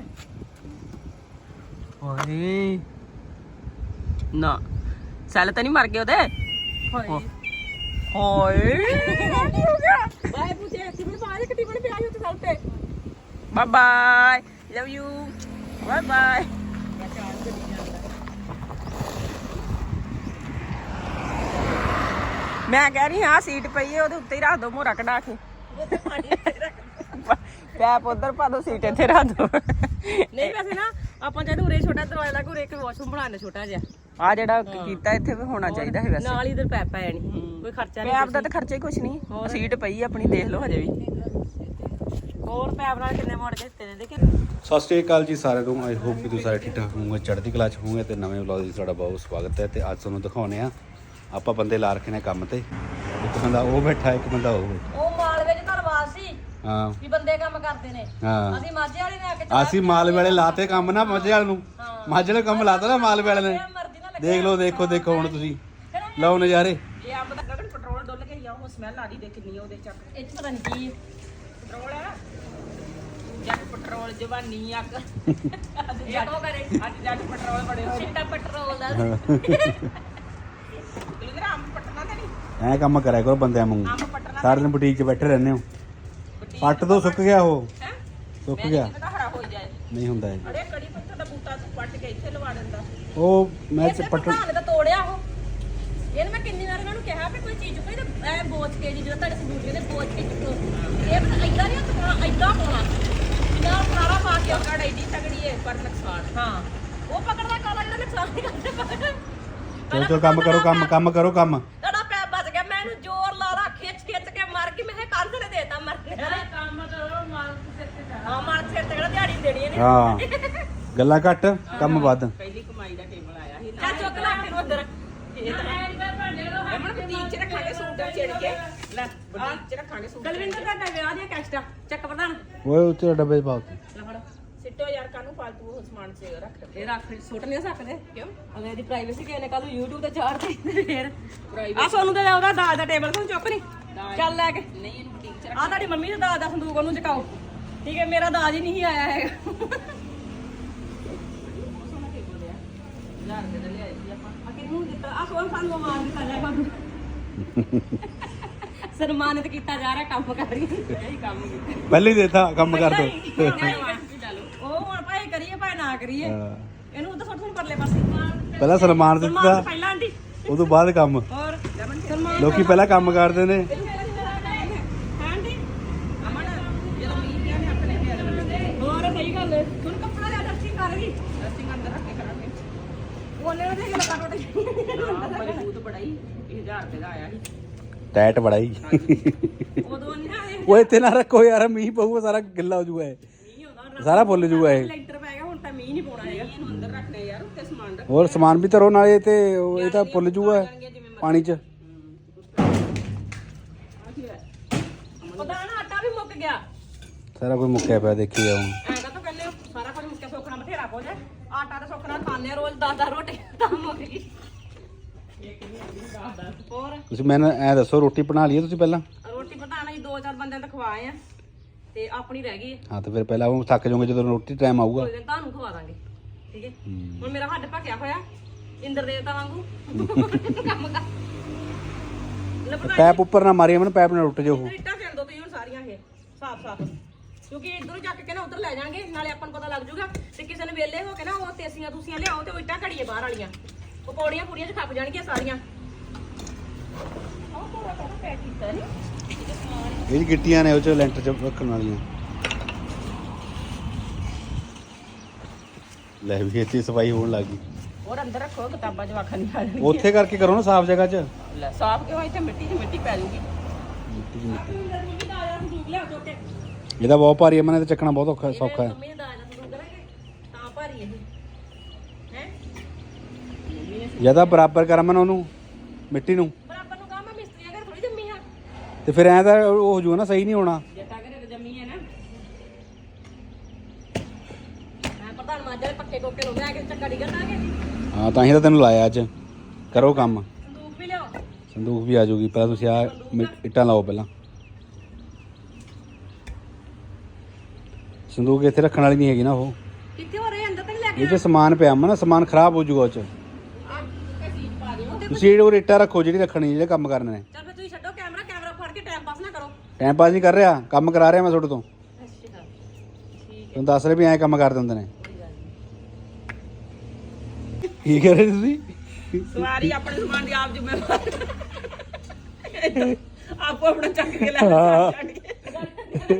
[SPEAKER 3] ਓਏ ਨਾ ਸੈਲ ਤਾਂ ਨਹੀਂ ਮਰ ਗਏ ਉਹਦੇ?
[SPEAKER 1] ਹਾਏ
[SPEAKER 3] ਓਏ
[SPEAKER 1] ਬਾਏ ਪੁੱਛੇ ਕਿਵੇਂ ਬਾਹਰ ਕਿੱਟੀ ਬਣ ਪਿਆ ਉੱਤੇ ਸਾਲ ਤੇ।
[SPEAKER 3] Bye bye, love you, bye bye. ਮੈਂ ਕਹਿ ਰਹੀ ਹਾਂ ਸੀਟ ਪਈ ਹੈ ਉਹਦੇ ਉੱਤੇ ਹੀ ਰੱਖ ਦੋ ਮੋਰਾ ਕਢਾ ਕੇ। ਪੈਪ ਉਧਰ ਪਾ ਦੋ, ਸੀਟ ਇੱਥੇ ਰੱਖ ਦੋ।
[SPEAKER 1] ਨਹੀਂ ਵੈਸੇ ਨਾ ਆਪਾਂ ਜਦੋਂ ਉਰੇ ਛੋਟਾ ਦਰਵਾਜ਼ਾ ਲਾ ਕੇ ਉਰੇ ਇੱਕ ਵਾਸ਼ਰੂਮ ਬਣਾਉਣਾ ਛੋਟਾ ਜਿਹਾ,
[SPEAKER 3] ਆ ਜਿਹੜਾ ਕੀਤਾ ਇੱਥੇ ਵੀ ਹੋਣਾ ਚਾਹੀਦਾ ਹੈ ਵੈਸੇ।
[SPEAKER 1] ਨਾਲ ਹੀ ਇਧਰ ਪੈਪ ਪੈ ਜਾਣੀ, ਕੋਈ ਖਰਚਾ ਨਹੀਂ।
[SPEAKER 3] ਪੈਪ ਦਾ ਤਾਂ ਖਰਚਾ ਹੀ ਕੁਛ ਨਹੀਂ, ਸੀਟ ਪਈ ਆਪਣੀ ਦੇਖ ਲਓ ਹਜੇ ਵੀ।
[SPEAKER 1] ਹੋਰ ਪੈਪ ਨਾਲ ਕਿੰਨੇ ਮੋੜ ਕੇ ਦਿੱਤੇ ਨੇ ਦੇਖੇ।
[SPEAKER 4] ਸਤਿ ਸ਼੍ਰੀ ਅਕਾਲ ਜੀ ਸਾਰਿਆਂ ਨੂੰ। ਆਈ ਹੋਪ ਕਿ ਤੁਸੀਂ ਸਾਰੇ ਠੀਕ ਠਾਕ ਹੋਵੋਗੇ, ਚੜ੍ਹਦੀ ਕਲਾ 'ਚ ਹੋਵੋਗੇ। ਤੇ ਨਵੇਂ ਵਲੌਗ ਵਿੱਚ ਤੁਹਾਡਾ ਬਹੁਤ ਸਵਾਗਤ ਹੈ। ਤੇ ਅੱਜ ਤੁਹਾਨੂੰ ਦਿਖਾਉਣੇ ਆ ਆਪਾਂ ਬੰਦੇ ਲਾ ਰੱਖੇ ਨੇ ਕੰਮ ਤੇ। ਇੱਕ ਬੰਦਾ ਉਹ ਬੈਠਾ, ਇੱਕ ਬੰਦਾ ਉਹ ਬੈਠਾ।
[SPEAKER 1] ਉਹ ਮਾਲਵੇ ਚ ਧਰਵਾਦ ਸੀ
[SPEAKER 4] ਹਾਂ
[SPEAKER 1] ਵੀ ਬੰਦੇ ਕੰਮ ਕਰਦੇ ਨੇ,
[SPEAKER 4] ਹਾਂ
[SPEAKER 1] ਅਸੀਂ ਮਾਝੇ ਵਾਲੇ ਨੇ ਆ ਕੇ
[SPEAKER 4] ਅਸੀਂ ਮਾਲਵੇ ਵਾਲੇ ਲਾਤੇ ਕੰਮ ਨਾ, ਮਾਝੇ ਵਾਲੇ ਨੂੰ ਮਾਝੇ ਵਾਲੇ ਕੰਮ ਲਾਤਾ ਨਾ ਮਾਲਵੇ ਵਾਲੇ ਨੇ।
[SPEAKER 1] ਮਰਜ਼ੀ ਨਾਲ
[SPEAKER 4] ਦੇਖ ਲਓ, ਦੇਖੋ ਹੁਣ ਤੁਸੀਂ ਲਓ ਨਜ਼ਾਰੇ।
[SPEAKER 3] ਇਹ ਅੰਬ ਦਾ ਗਗਨ ਪੈਟਰੋਲ ਡੁੱਲ ਕੇ ਹੀ ਆ, ਉਹ ਸਮੈਲ ਆ ਰਹੀ ਦੇ ਕਿੰਨੀ ਉਹਦੇ ਚੱਕ।
[SPEAKER 1] ਇਹ ਚ ਪਤਾ ਨਹੀਂ ਕੀ
[SPEAKER 3] ਪੈਟਰੋਲ ਹੈ, ਜੱਟ ਪੈਟਰੋਲ ਜਵਾਨੀ ਅੱਗ।
[SPEAKER 1] ਜੱਟੋ ਕਰੇ
[SPEAKER 3] ਅੱਜ ਜੱਟ ਪੈਟਰੋਲ ਬੜੇ ਹੋਏ।
[SPEAKER 1] ਚਿੱਟਾ ਪੈਟਰੋਲ ਦਾ
[SPEAKER 3] ਕਿਲੋ ਅੰਬ ਪੱਟਣਾ ਤਾਂ ਨਹੀਂ,
[SPEAKER 4] ਐਂ ਕੰਮ ਕਰਿਆ ਕਰੋ ਬੰਦਿਆਂ ਵਾਂਗੂ,
[SPEAKER 3] ਅੰਬ ਪੱਟਣਾ
[SPEAKER 4] ਸਾਰਾ ਦਿਨ ਬੁਟੀਕ 'ਚ ਬੈਠੇ ਰਹਿੰਦੇ ਹੋ। ਪੱਟ ਦੋ, ਸੁੱਕ ਗਿਆ ਉਹ,
[SPEAKER 3] ਹੈ।
[SPEAKER 4] ਸੁੱਕ
[SPEAKER 3] ਮੈਂ
[SPEAKER 4] ਗਿਆ,
[SPEAKER 3] ਨਹੀਂ ਪਤਾ ਹਰਾ ਹੋ ਜਾਏ।
[SPEAKER 4] ਨਹੀਂ ਹੁੰਦਾ ਇਹ।
[SPEAKER 3] ਅਰੇ ਕੜੀ ਪੱਤਾ ਦਾ ਬੂਟਾ ਤੂੰ ਪੱਟ ਕੇ ਇੱਥੇ ਲਵਾ ਦਿੰਦਾ।
[SPEAKER 4] ਉਹ ਮੈਂ
[SPEAKER 1] ਇਹ
[SPEAKER 4] ਪੱਟ
[SPEAKER 1] ਪ੍ਰਧਾਨ ਦਾ ਤੋੜਿਆ ਉਹ। ਇਹਨੇ ਮੈਂ ਕਿੰਨੀ ਵਾਰ ਇਹਨਾਂ ਨੂੰ ਕਿਹਾ ਵੀ ਕੋਈ ਚੀਜ਼ ਕੋਈ ਤਾਂ ਐ ਬੋਚ ਕੇ ਜੀ ਜਦੋਂ ਤੁਹਾਡੇ ਸਬੂਤ ਨੇ ਬੋਚ ਕੇ ਚੁੱਕੋ। ਇਹ ਪਤਾ ਏਦਾਂ ਨਹੀਂ ਹੱਥ ਪਾਉਣਾ, ਏਦਾਂ ਪਾਉਣਾ ਨਾਲ ਸਾਰਾ ਪਾ ਕੇ।
[SPEAKER 3] ਕੜ ਐਡੀ ਤਗੜੀ ਹੈ ਪਰ ਨੁਕਸਾਨ।
[SPEAKER 1] ਹਾਂ ਉਹ ਪਕੜਦਾ ਕਾਲਾ ਜਿਹੜਾ ਨੁਕਸਾਨ ਨਹੀਂ ਕਰਦਾ।
[SPEAKER 4] ਚਲੋ ਕੰਮ ਕਰੋ, ਕੰਮ ਕਰੋ ਕੰਮ।
[SPEAKER 1] ਤੁਹਾਡਾ ਪੈਰ ਬਚ ਗਿਆ, ਮੈਂ ਇਹਨੂੰ ਜ਼ੋਰ ਲਾ ਲਾ ਖਿੱਚ ਕੇ ਮਾਰ ਕੇ ਮੈਂ ਕੰਧ ਤੇ ਦੇਤਾ ਮਰਨੇ ਕੰਮ ਕਰੋ ਮਾਰ ਸਿਰ ਤੇ ਹਾਂ ਮਾਰ ਸਿਰ ਤੇ ਕਿਹੜਾ ਦਿਹਾੜੀ ਦੇਣੀ ਇਹਨੇ।
[SPEAKER 4] ਹਾਂ ਗੱਲਾਂ ਘੱਟ, ਕੰਮ ਵੱਧ।
[SPEAKER 3] ਪਹਿਲੀ ਕਮਾਈ ਦਾ ਟੇਬਲ ਆਇਆ ਸੀ
[SPEAKER 1] ਚੱਲ ਚੁੱਕ ਲਾ ਕੇ ਉਧਰ।
[SPEAKER 3] ਇਹ ਤਾਂ ਬੁਟੀਕ 'ਚ ਰੱਖਾਂਗੇ ਸੂਟ ਛੇੜ ਕੇ। ਲੈ ਬੁਟੀਕ 'ਚ ਰੱਖਾਂਗੇ ਸੂਟ।
[SPEAKER 1] ਦਲਵਿੰਦਰ ਦਾ ਵਿਆਹ ਦੀਆਂ ਕੈਸਟਾ ਚੱਕ ਪ੍ਰਧਾਨ
[SPEAKER 4] ਓਏ ਉੱਤੇ ਡੱਬੇ ਪਾਓ ਤੇ।
[SPEAKER 1] ਲੈ ਫੜ।
[SPEAKER 3] ਸਿੱਟੋ ਯਾਰ, ਕਾਹਨੂੰ ਫਾਲਤੂ ਉਹ ਸਮਾਨ ਸੇ ਰੱਖ।
[SPEAKER 1] ਇਹ ਰੱਖ ਸੁੱਟ ਨਹੀਂ ਸਕਦੇ
[SPEAKER 3] ਕਿਉਂ?
[SPEAKER 1] ਅਗਲੇ ਦੀ ਪ੍ਰਾਈਵੇਸੀ ਕਿਸੇ ਨੇ ਕੱਲ ਨੂੰ YouTube ਤੇ ਚਾੜ ਦੇ ਫੇਰ
[SPEAKER 3] ਪ੍ਰਾਈਵੇਟ
[SPEAKER 1] ਆ ਸੋਨੂੰ ਦੇ ਉਹਦਾ ਦਾਜ ਦਾ ਟੇਬਲ ਤੁਹਾਨੂੰ ਚੁੱਕ ਨਹੀਂ ਚੱਲ ਲੈ ਕੇ।
[SPEAKER 3] ਨਹੀਂ ਇਹਨੂੰ ਬੁਟੀਕ 'ਚ
[SPEAKER 1] ਆ ਤੁਹਾਡੀ ਮੰਮੀ ਦਾ ਦਾਜ ਦਾ ਸੰਦੂਕ ਉਹਨੂੰ ਚਕਾਓ, ਠੀਕ ਹੈ। ਮੇਰਾ ਦਾਜ ਹੀ ਨਹੀਂ ਆਇਆ ਹੈਗਾ।
[SPEAKER 3] 1000 ਰੁਪਏ ਦਾ ਲਿਆਏ ਸੀ ਆਪਾਂ।
[SPEAKER 1] ਆ ਕਿੰਨੀ ਨੂੰ ਦਿੱਤਾ ਆ ਸੋਨ ਸਾਨੂੰ ਮਾਰ ਦਿੱਤਾ ਜਾ ਬਾਬੂ ਸਨਮਾਨਿਤ ਕੀਤਾ ਜਾ ਰਿਹਾ ਕੰਮ ਕਰ ਰਹੀ ਇਹੀ ਕੰਮ ਕੀਤਾ
[SPEAKER 4] ਪਹਿਲੇ ਹੀ ਦੇਤਾ ਕੰਮ ਕਰ ਦੋ
[SPEAKER 1] ਉਹ ਹੁਣ ਭਾਈ ਕਰੀਏ ਭਾਈ ਨਾ ਕਰੀਏ ਇਹਨੂੰ ਉਧਰ ਸੁੱਟ ਸੁੱਟ ਪਰਲੇ ਪਾਸੇ
[SPEAKER 4] ਪਹਿਲਾਂ ਸਨਮਾਨ ਦਿੱਤਾ
[SPEAKER 1] ਪਹਿਲਾਂ ਆਂਟੀ
[SPEAKER 4] ਉਹ ਤੋਂ ਬਾਅਦ ਕੰਮ
[SPEAKER 1] ਹੋਰ ਸਨਮਾਨ
[SPEAKER 4] ਲੋਕੀ ਪਹਿਲਾਂ ਕੰਮ ਕਰਦੇ ਨੇ
[SPEAKER 1] ਆਂਟੀ
[SPEAKER 3] ਅਮਨ ਜਦੋਂ ਮੀਂਹ ਪਿਆ ਨੇ ਆਪਣੇ ਘਰ
[SPEAKER 1] ਹੋਰ ਸਹੀ ਗੱਲ ਹੈ ਹੁਣ ਕੱਪੜਾ ਲਿਆ ਦੱਸੀ ਕਰ ਗਈ
[SPEAKER 3] ਅਸੀਂ ਅੰਦਰ ਰੱਖ ਕੇ ਕਰਾਂਗੇ
[SPEAKER 1] ਉਹਨੇ ਉਹਦੇ ਗੱਲ ਕੱਟ
[SPEAKER 3] ਮਜ਼ਬੂਤ ਬੜਾ ਹੀ 1000 ਰੁਪਏ ਦਾ ਆਇਆ ਸੀ
[SPEAKER 4] ਟੈਟ ਬੜਾ ਹੀ
[SPEAKER 1] ਉਦੋਂ ਨਹੀਂ ਨਾ ਇਹ
[SPEAKER 4] ਉਹ ਇੱਥੇ ਨਾ ਰੱਖੋ ਯਾਰ ਮੀਂਹ ਪਊਗਾ ਸਾਰਾ ਗਿੱਲਾ ਹੋ ਜਾਊਗਾ ਇਹ
[SPEAKER 1] ਮੀਂਹ ਹੁੰਦਾ
[SPEAKER 4] ਸਾਰਾ ਫੁੱਲ ਜਾਊਗਾ ਇਹ
[SPEAKER 1] ਲੈਂਟਰ ਪੈ ਗਿਆ ਹੁਣ ਤਾਂ ਮੀਂਹ ਨਹੀਂ ਪਾਉਣਾ ਹੈਗਾ
[SPEAKER 3] ਇਹਨੂੰ ਅੰਦਰ ਰੱਖਣੇ ਯਾਰ ਉੱਤੇ ਸਮਾਨ ਰੱਖ
[SPEAKER 4] ਹੋਰ ਸਮਾਨ ਵੀ ਧਰੋ ਨਾਲੇ ਤੇ ਇਹ ਤਾਂ ਫੁੱਲ ਜਾਊਗਾ ਪਾਣੀ 'ਚ
[SPEAKER 1] ਪਤਾ ਨਾ ਆਟਾ ਵੀ ਮੁੱਕ ਗਿਆ
[SPEAKER 4] ਸਾਰਾ ਕੁਝ ਮੁੱਕਿਆ ਪਿਆ ਦੇਖੀ ਜਾਓ
[SPEAKER 1] ਐਂਦਾ ਤਾਂ ਕਹਿੰਦੇ ਸਾਰਾ ਕੁਝ ਮੁੱਕਿਆ ਸੁੱਕਣਾ ਬਥੇਰਾ ਕੁਝ ਆਟਾ ਤਾਂ ਸੁੱਕਣਾ ਖਾਂਦੇ ਆ ਰੋਜ਼ 10 ਰੋਟੀ ਤਾਂ ਮੁੱਕ ਗਈ ਹੋਰ
[SPEAKER 4] ਤੁਸੀਂ ਮੈਨੂੰ ਐ ਦੱਸੋ ਰੋਟੀ ਬਣਾ ਲਈਏ ਤੁਸੀਂ ਪਹਿਲਾਂ
[SPEAKER 1] ਰੋਟੀ ਪਤਾਣਾ ਜੀ 2-4 ਬੰਦਿਆਂ ਨੂੰ ਖਵਾਏ ਆ ਤੇ ਆਪਣੀ ਰਹਿ ਗਈ
[SPEAKER 4] ਹਾਂ ਤੇ ਫਿਰ ਪਹਿਲਾਂ ਉਹ ਥੱਕ ਜਾਓਗੇ ਜਦੋਂ ਰੋਟੀ ਟਾਈਮ ਆਊਗਾ
[SPEAKER 1] ਕੋਈ ਦਿਨ ਤੁਹਾਨੂੰ ਖਵਾ ਦਾਂਗੇ ਠੀਕ ਹੈ ਹੁਣ ਮੇਰਾ ਹੱਡ ਭੱਕਿਆ ਹੋਇਆ ਇੰਦਰ ਦੇਵਤਾ ਵਾਂਗੂ ਕੰਮ ਕਰ ਲੱਭਣਾ
[SPEAKER 4] ਪੈਪ ਉੱਪਰ ਨਾ ਮਾਰੀ ਮੈਨੂੰ ਪੈਪ ਨਾਲ ਟੁੱਟ ਜਾਓ
[SPEAKER 1] ਇੱਟਾਂ ਫੇਰ ਦੋ ਤੁਸੀਂ ਹੁਣ ਸਾਰੀਆਂ ਇਹ ਸਾਫ਼ ਕਿਉਂਕਿ ਇਧਰੋਂ ਚੱਕ ਕੇ ਨਾ ਉਧਰ ਲੈ ਜਾਾਂਗੇ ਨਾਲੇ ਆਪਾਂ ਨੂੰ ਪਤਾ ਲੱਗ ਜਾਊਗਾ ਤੇ ਕਿਸੇ ਨੇ ਵੇਲੇ ਹੋ ਕੇ ਨਾ ਉਹ ਤੇਸੀਆਂ ਤੂਸੀਆਂ ਲਿਆਓ ਤੇ ਉਹ ਇੱਟਾਂ ਘੜੀਏ ਬਾਹਰ ਵਾਲੀਆਂ ਉਹ ਪੌੜੀਆਂ ਪੂੜੀਆਂ 'ਚ ਖੱਪ ਜਾਣਗੀਆਂ ਸਾਰੀਆਂ ਉਹ ਪੂਰਾ ਪੈਕ ਕੀਤਾ ਨਹੀਂ
[SPEAKER 4] ਇਹ ਗਿੱਟੀਆਂ ਨੇ ਉਹ 'ਚ ਲੈਂਟਰ 'ਚ ਰੱਖਣ ਵਾਲੀਆਂ ਲੈ ਵੀ ਇੱਥੇ ਸਫਾਈ ਹੋਣ ਲੱਗ ਗਈ
[SPEAKER 3] ਹੋਰ ਅੰਦਰ ਰੱਖੋ ਕਿਤਾਬਾਂ ਜਵਾਖਾਂ ਨਹੀਂ ਆ ਜਾਣਗੀਆਂ
[SPEAKER 4] ਉੱਥੇ ਕਰਕੇ ਕਰੋ ਨਾ ਸਾਫ਼ ਜਗ੍ਹਾ 'ਚ
[SPEAKER 3] ਲੈ ਸਾਫ਼ ਕਿਉਂ ਇੱਥੇ ਮਿੱਟੀ 'ਚ ਮਿੱਟੀ ਪੈ ਜੂਗੀ
[SPEAKER 1] ਮੰਮੀ ਦਾ ਆਇਆ ਸੰਦੂਕ ਲਿਆ ਚੁੱਕ ਕੇ
[SPEAKER 4] ਇਹਦਾ ਬਹੁਤ ਭਾਰੀ ਹੈ ਮਨੇ ਤੇ ਚੱਕਣਾ ਬਹੁਤ ਔਖਾ ਸੌਖਾ ਹੈ
[SPEAKER 1] ਮੰਮੀ ਨੇ ਦਾ ਆਇਆ ਸੰਦੂਕ ਕਰਾਂਗੇ ਤਾਂ ਭਾਰੀ ਇਹ ਹੈ
[SPEAKER 4] ਜਿਆਦਾ ਬਰਾਬਰ ਕਰ ਮਨ ਉਹਨੂੰ ਮਿੱਟੀ ਨੂੰ
[SPEAKER 1] ਬਰਾਬਰ ਨੂੰ ਕਹਾਂ ਮੈਂ ਮਿਸਤਰੀਆਂ ਘਰ ਥੋੜੀ ਜੰਮੀ ਹਾਂ
[SPEAKER 4] ਤੇ ਫਿਰ ਐਂ ਤਾਂ ਉਹ ਹੋ ਜੂਗਾ ਨਾ ਸਹੀ ਨਹੀਂ ਹੋਣਾ
[SPEAKER 3] ਜੱਟਾ ਘਰੇ ਜੰਮੀ ਹੈ ਨਾ
[SPEAKER 1] ਮੈਂ ਪ੍ਰਧਾਨ ਮਾਜਾ ਦੇ ਪੱਕੇ ਕੋਕੇ ਨੂੰ ਮੈਂ ਕਿ ਚੱਕਾ ਡਿੱਗਣ ਲਾਗੇ
[SPEAKER 4] ਹਾਂ ਤਾਂ ਹੀ ਤਾਂ ਤੈਨੂੰ ਲਾਇਆ ਅੱਜ ਕਰੋ ਕੰਮ
[SPEAKER 1] ਸੰਦੂਕ ਵੀ ਲਿਆਓ
[SPEAKER 4] ਸੰਦੂਕ ਵੀ ਆ ਜਾਊਗੀ ਪਹਿਲਾਂ ਤੁਸੀਂ ਆ ਇੱਟਾਂ ਲਾਓ ਪਹਿਲਾਂ ਸੰਦੂਕ ਇੱਥੇ ਰੱਖਣ ਵਾਲੀ ਨਹੀਂ ਹੈਗੀ ਨਾ ਉਹ
[SPEAKER 1] ਕਿੱਥੇ ਹੋ ਰਹੇ ਅੰਦਰ ਤੱਕ ਲੈ ਕੇ
[SPEAKER 4] ਇਹ 'ਚ ਸਮਾਨ ਪਿਆ ਮਨਾ ਸਮਾਨ ਖਰਾਬ ਹੋ ਜਾਊਗਾ ਉਹ 'ਚ ਤੁਸੀਂ ਉਹ ਇੱਟਾਂ ਰੱਖੋ ਜਿਹੜੀ ਰੱਖਣੀ ਜਿਹੜੇ ਕੰਮ ਕਰਨੇ ਨੇ
[SPEAKER 1] ਚੱਲ ਫਿਰ ਤੁਸੀਂ ਛੱਡੋ ਕੈਮਰਾ ਫੜ ਕੇ ਟਾਈਮ ਪਾਸ ਨਾ ਕਰੋ
[SPEAKER 4] ਟਾਈਮ ਪਾਸ ਨਹੀਂ ਕਰ ਰਿਹਾ ਕੰਮ ਕਰਾ ਰਿਹਾ ਮੈਂ ਤੁਹਾਡੇ ਤੋਂ
[SPEAKER 1] ਅੱਛਾ
[SPEAKER 4] ਤੁਹਾਨੂੰ ਦੱਸ ਰਹੇ ਵੀ ਐਂ ਕੰਮ ਕਰ ਦਿੰਦੇ ਨੇ ਕੀ ਕਰ ਰਹੇ ਤੁਸੀਂ
[SPEAKER 3] ਸਵਾਰੀ ਆਪਣੇ ਸਮਾਨ ਦੀ ਆਪ ਜ਼ਿੰਮੇਵਾਰ ਆਪੋ ਆਪਣਾ ਚੱਕ ਕੇ ਲੈ ਛੱਡ ਕੇ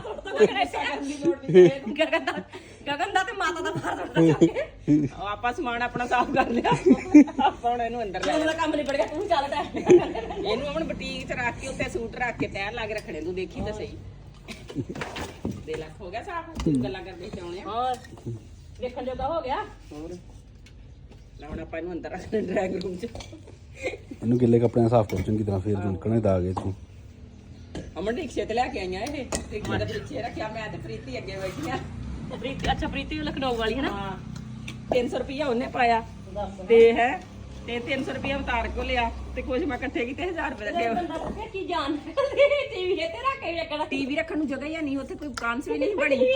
[SPEAKER 1] ਗਗਨ ਦਾ ਤੇ ਮਾਤਾ ਦਾ ਫਰਜ਼
[SPEAKER 3] ਆਪਾਂ ਸਮਾਨ ਆਪਣਾ ਸਾਫ਼ ਕਰ ਲਿਆ ਆਪਾਂ ਹੁਣ ਇਹਨੂੰ ਅੰਦਰ ਲੈ
[SPEAKER 1] ਉਹਦਾ ਕੰਮ ਨਹੀਂ ਪੜੇਗਾ ਤੂੰ ਚੱਲ ਟਾਈਮ
[SPEAKER 3] ਇਹਨੂੰ ਹੁਣ ਬੁਟੀਕ 'ਚ ਰੱਖ ਕੇ ਉੱਤੇ ਸੂਟ ਰੱਖ ਕੇ ਤੈਅ ਲਾ ਕੇ ਰੱਖਣੇ ਤੂੰ ਦੇਖੀ ਤਾਂ ਸਹੀ ਦੇ ਲੱਖ ਹੋ ਗਿਆ ਸਾਫ਼ ਤੂੰ ਗੱਲਾਂ ਕਰਦੇ ਚਾਉਣੇ ਆ
[SPEAKER 1] ਹੋਰ ਵੇਖਣ ਜੋਗਾ ਹੋ ਗਿਆ
[SPEAKER 3] ਹੋਰ ਲਾਉਣ ਆਪਾਂ ਇਹਨੂੰ ਅੰਦਰ ਰੱਖਣਾ ਡਰਾਇੰਗ ਰੂਮ 'ਚ
[SPEAKER 4] ਇਹਨੂੰ ਗਿੱਲੇ ਕੱਪੜਿਆਂ ਨਾਲ ਸਾਫ਼ ਕਰੋ ਚੰਗੀ ਤਰ੍ਹਾਂ ਫੇਰ ਨਿਕਲਣੇ ਦਾਗ ਇਹ ਤੋਂ
[SPEAKER 3] ਅਮਨ ਰਿਕਸ਼ੇ ਤੇ ਲੈ ਕੇ ਆਈਆਂ ਇਹ ਰਿਕਸ਼ੇ ਦੇ ਪਿੱਛੇ ਰੱਖਿਆ ਮੈਂ ਤੇ ਪ੍ਰੀਤੀ ਅੱਗੇ ਬੈਠੀਆਂ
[SPEAKER 1] ਪ੍ਰੀਤੀ ਅੱਛਾ ਪ੍ਰੀਤੀ ਲਖਨਊ ਵਾਲੀ ਹੈ ਨਾ
[SPEAKER 3] ਹਾਂ 300 ਰੁਪਇਆ ਉਹਨੇ ਪਾਇਆ ਤੇ ਹੈ ਤੇ 300 ਰੁਪਇਆ ਉਤਾਰ ਕੋ ਲਿਆ ਤੇ ਕੁਝ ਮੈਂ ਇਕੱਠੇ ਕੀਤੇ 1000 ਰੁਪਏ ਦਾ
[SPEAKER 1] ਬੰਦਾ ਦੱਸਿਆ ਕੀ ਜਾਣ ਟੀਵੀ ਤੇ ਰੱਖ ਕੇ ਵੇਖਣਾ
[SPEAKER 3] ਟੀਵੀ ਰੱਖਣ ਨੂੰ ਜਗ੍ਹਾ ਹੀ ਨਹੀਂ ਉੱਥੇ ਕੋਈ ਕਾਂਸ ਵੀ ਨਹੀਂ ਬਣੀ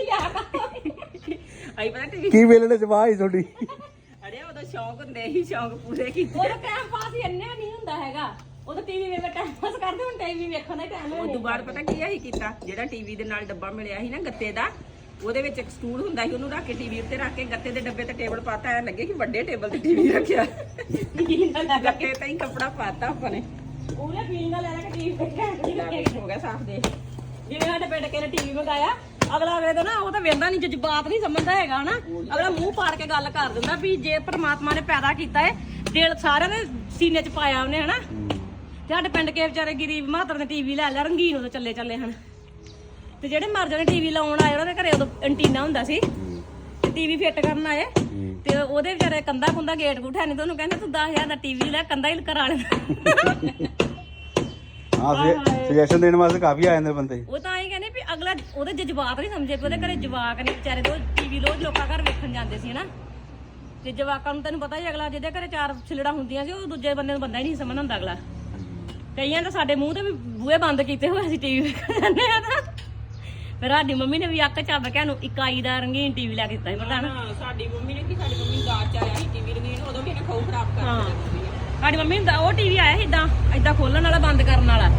[SPEAKER 3] ਆਈ ਪਤਾ ਟੀਵੀ
[SPEAKER 4] ਕੀ ਵੇਲਣੇ ਚ ਵਾਹ ਤੁਹਾਡੀ
[SPEAKER 3] ਅਰੇ ਉਹਦਾ ਸ਼ੌਂਕ ਹੁੰਦੇ ਹੀ ਸ਼ੌਂਕ ਪੂਰੇ ਕੀਤੇ
[SPEAKER 1] ਉਹਦਾ ਟਾਈਮ ਪਾਸ ਹੀ ਇੰਨਾ ਨਹੀਂ ਹੁੰਦਾ ਹੈਗਾ ਉਹਦਾ ਟੀਵੀ ਵੇਖ ਕੇ ਟਾਈਮ ਪਾਸ ਕਰਦੇ ਹੁਣ ਟੀਵੀ ਵੇਖਣ ਦਾ ਟਾਈਮ
[SPEAKER 3] ਉਹ ਤੋਂ ਬਾਅਦ ਪਤਾ ਕੀ ਆਹੀ ਕੀਤਾ ਜਿਹੜਾ ਟੀਵੀ ਦੇ ਨਾਲ ਡੱਬਾ ਮਿਲਿਆ ਸੀ ਨਾ ਗੱਤੇ ਦਾ ਉਹਦੇ ਵਿੱਚ ਇੱਕ ਸਟੂਲ ਹੁੰਦਾ ਸੀ ਉਹਨੂੰ ਰੱਖ ਕੇ ਟੀਵੀ ਉੱਤੇ ਰੱਖ ਕੇ ਗੱਤੇ ਦੇ ਡੱਬੇ ਤੇ ਟੇਬਲ ਪਾਤਾ ਐ ਲੱਗੇ ਕਿ ਵੱਡੇ ਟੇਬਲ ਤੇ ਟੀਵੀ ਰੱਖਿਆ ਗੱਤੇ ਤੇ ਹੀ ਕੱਪੜਾ ਪਾਤਾ ਆਪਾਂ ਨੇ
[SPEAKER 1] ਉਹਨੇ ਫੀਲਿੰਗ ਲੈ ਲੈ ਕੇ ਟੀਵੀ ਵੇਖਿਆ
[SPEAKER 3] ਹੋ ਗਿਆ ਸਾਫ ਦੇ
[SPEAKER 1] ਜਿਵੇਂ ਸਾਡੇ ਪਿੰਡ ਕੇ ਨੇ ਟੀਵੀ ਮੰਗਾਇਆ ਅਗਲਾ ਵੇਖਦਾ ਨਾ ਉਹ ਤਾਂ ਵੇਖਦਾ ਨਹੀਂ ਜਜ਼ਬਾਤ ਨਹੀਂ ਸਮਝਦਾ ਹੈਗਾ ਨਾ ਅਗਲਾ ਮੂੰਹ ਪਾੜ ਕੇ ਗੱਲ ਕਰ ਦਿੰਦਾ ਵੀ ਜੇ ਪ੍ਰਮਾਤਮਾ ਨੇ ਪੈਦਾ ਕੀਤਾ ਏ ਦਿਲ ਸਾਰਿਆਂ ਦੇ ਸੀਨੇ 'ਚ ਪਾਇਆ ਉਹਨੇ ਹਨਾ ਤੇ ਸਾਡੇ ਪਿੰਡ ਕੇ ਵਿਚਾਰੇ ਗਰੀਬ ਮਾਤਰ ਨੇ ਟੀਵੀ ਲੈ ਲਿਆ ਰੰਗੀਨ ਉਦੋਂ ਚੱਲੇ ਹਨ ਤੇ ਜਿਹੜੇ ਮਰ ਜਾਣੇ ਟੀਵੀ ਲਾਉਣ ਆਏ ਉਹਨਾਂ ਦੇ ਘਰੇ ਉਦੋਂ ਐਂਟੀਨਾ ਹੁੰਦਾ ਸੀ ਤੇ ਟੀਵੀ ਫਿੱਟ ਕਰਨ ਆਏ ਤੇ ਉਹਦੇ ਵਿਚਾਰੇ ਕੰਧਾ ਕੁੰਦਾ ਗੇਟ ਗੁੱਠਾ ਨਹੀਂ ਤੇ ਉਹਨੂੰ ਕਹਿੰਦੇ ਤੂੰ 10,000 ਦਾ ਟੀਵੀ ਲੈ ਕੰਧਾ ਹੀ ਕਰਾ ਲੈ
[SPEAKER 4] ਹਾਂ ਸੁਜੈਸ਼ਨ ਦੇਣ ਵਾਸਤੇ ਕਾਫੀ ਆ ਜਾਂਦੇ ਬੰਦੇ
[SPEAKER 1] ਉਹ ਤਾਂ ਐਂ ਕਹਿੰਦੇ ਵੀ ਅਗਲਾ ਉਹਦੇ ਜਜ਼ਬਾਤ ਨਹੀਂ ਸਮਝੇ ਵੀ ਉਹਦੇ ਘਰੇ ਜਵਾਕ ਨੇ ਵਿਚਾਰੇ ਤੋਂ ਟੀਵੀ ਰੋਜ਼ ਲੋਕਾਂ ਘਰ ਵੇਖਣ ਜਾਂਦੇ ਸੀ ਹਨਾ ਤੇ ਜਵਾਕਾਂ ਨੂੰ ਤੈਨੂੰ ਪਤਾ ਹੀ ਅਗਲਾ ਜਿਹਦੇ ਘਰੇ 4 ਛਿਲੜਾ ਹੁੰਦੀਆਂ ਸੀ ਉਹ ਦੂਜੇ ਬੰਦੇ ਨੂੰ ਬੰਦਾ ਹੀ ਨਹੀਂ ਸਮਝਦਾ ਹੁੰਦਾ ਅਗਲਾ ਕਈਆਂ ਤਾਂ ਸਾਡੇ ਮੂੰਹ ਤੇ ਵੀ ਬੂਹੇ ਬੰਦ ਕੀਤੇ ਹੋਏ ਅਸੀਂ ਟੀਵੀ ਵੇਖਣ ਜਾਂਦੇ ਆ ਤਾਂ ਫਿਰ ਸਾਡੀ ਮੰਮੀ ਨੇ ਵੀ ਅੱਕ ਚੱਬ ਕੇ ਨੂੰ ਇਕਾਈ ਦਾ ਰੰਗੀਨ ਟੀਵੀ ਲੈ ਕੇ ਦਿੱਤਾ ਸੀ ਪਤਾ ਨਾ
[SPEAKER 3] ਸਾਡੀ ਮੰਮੀ ਨੇ ਕੀ ਸਾਡੀ ਮੰਮੀ ਦਾਜ ਚ ਆਇਆ ਸੀ ਟੀਵੀ ਰੰਗੀਨ ਉਦੋਂ ਵੀ ਇਹਨੇ ਖੋਹ ਖਰਾਬ ਕਰ ਦਿੱਤਾ
[SPEAKER 1] ਸਾਡੀ ਮੰਮੀ ਦਾ ਉਹ ਟੀਵੀ ਆਇਆ ਸੀ ਇਦਾਂ ਖੋਲਣ ਵਾਲਾ ਬੰਦ ਕਰਨ ਵਾਲਾ,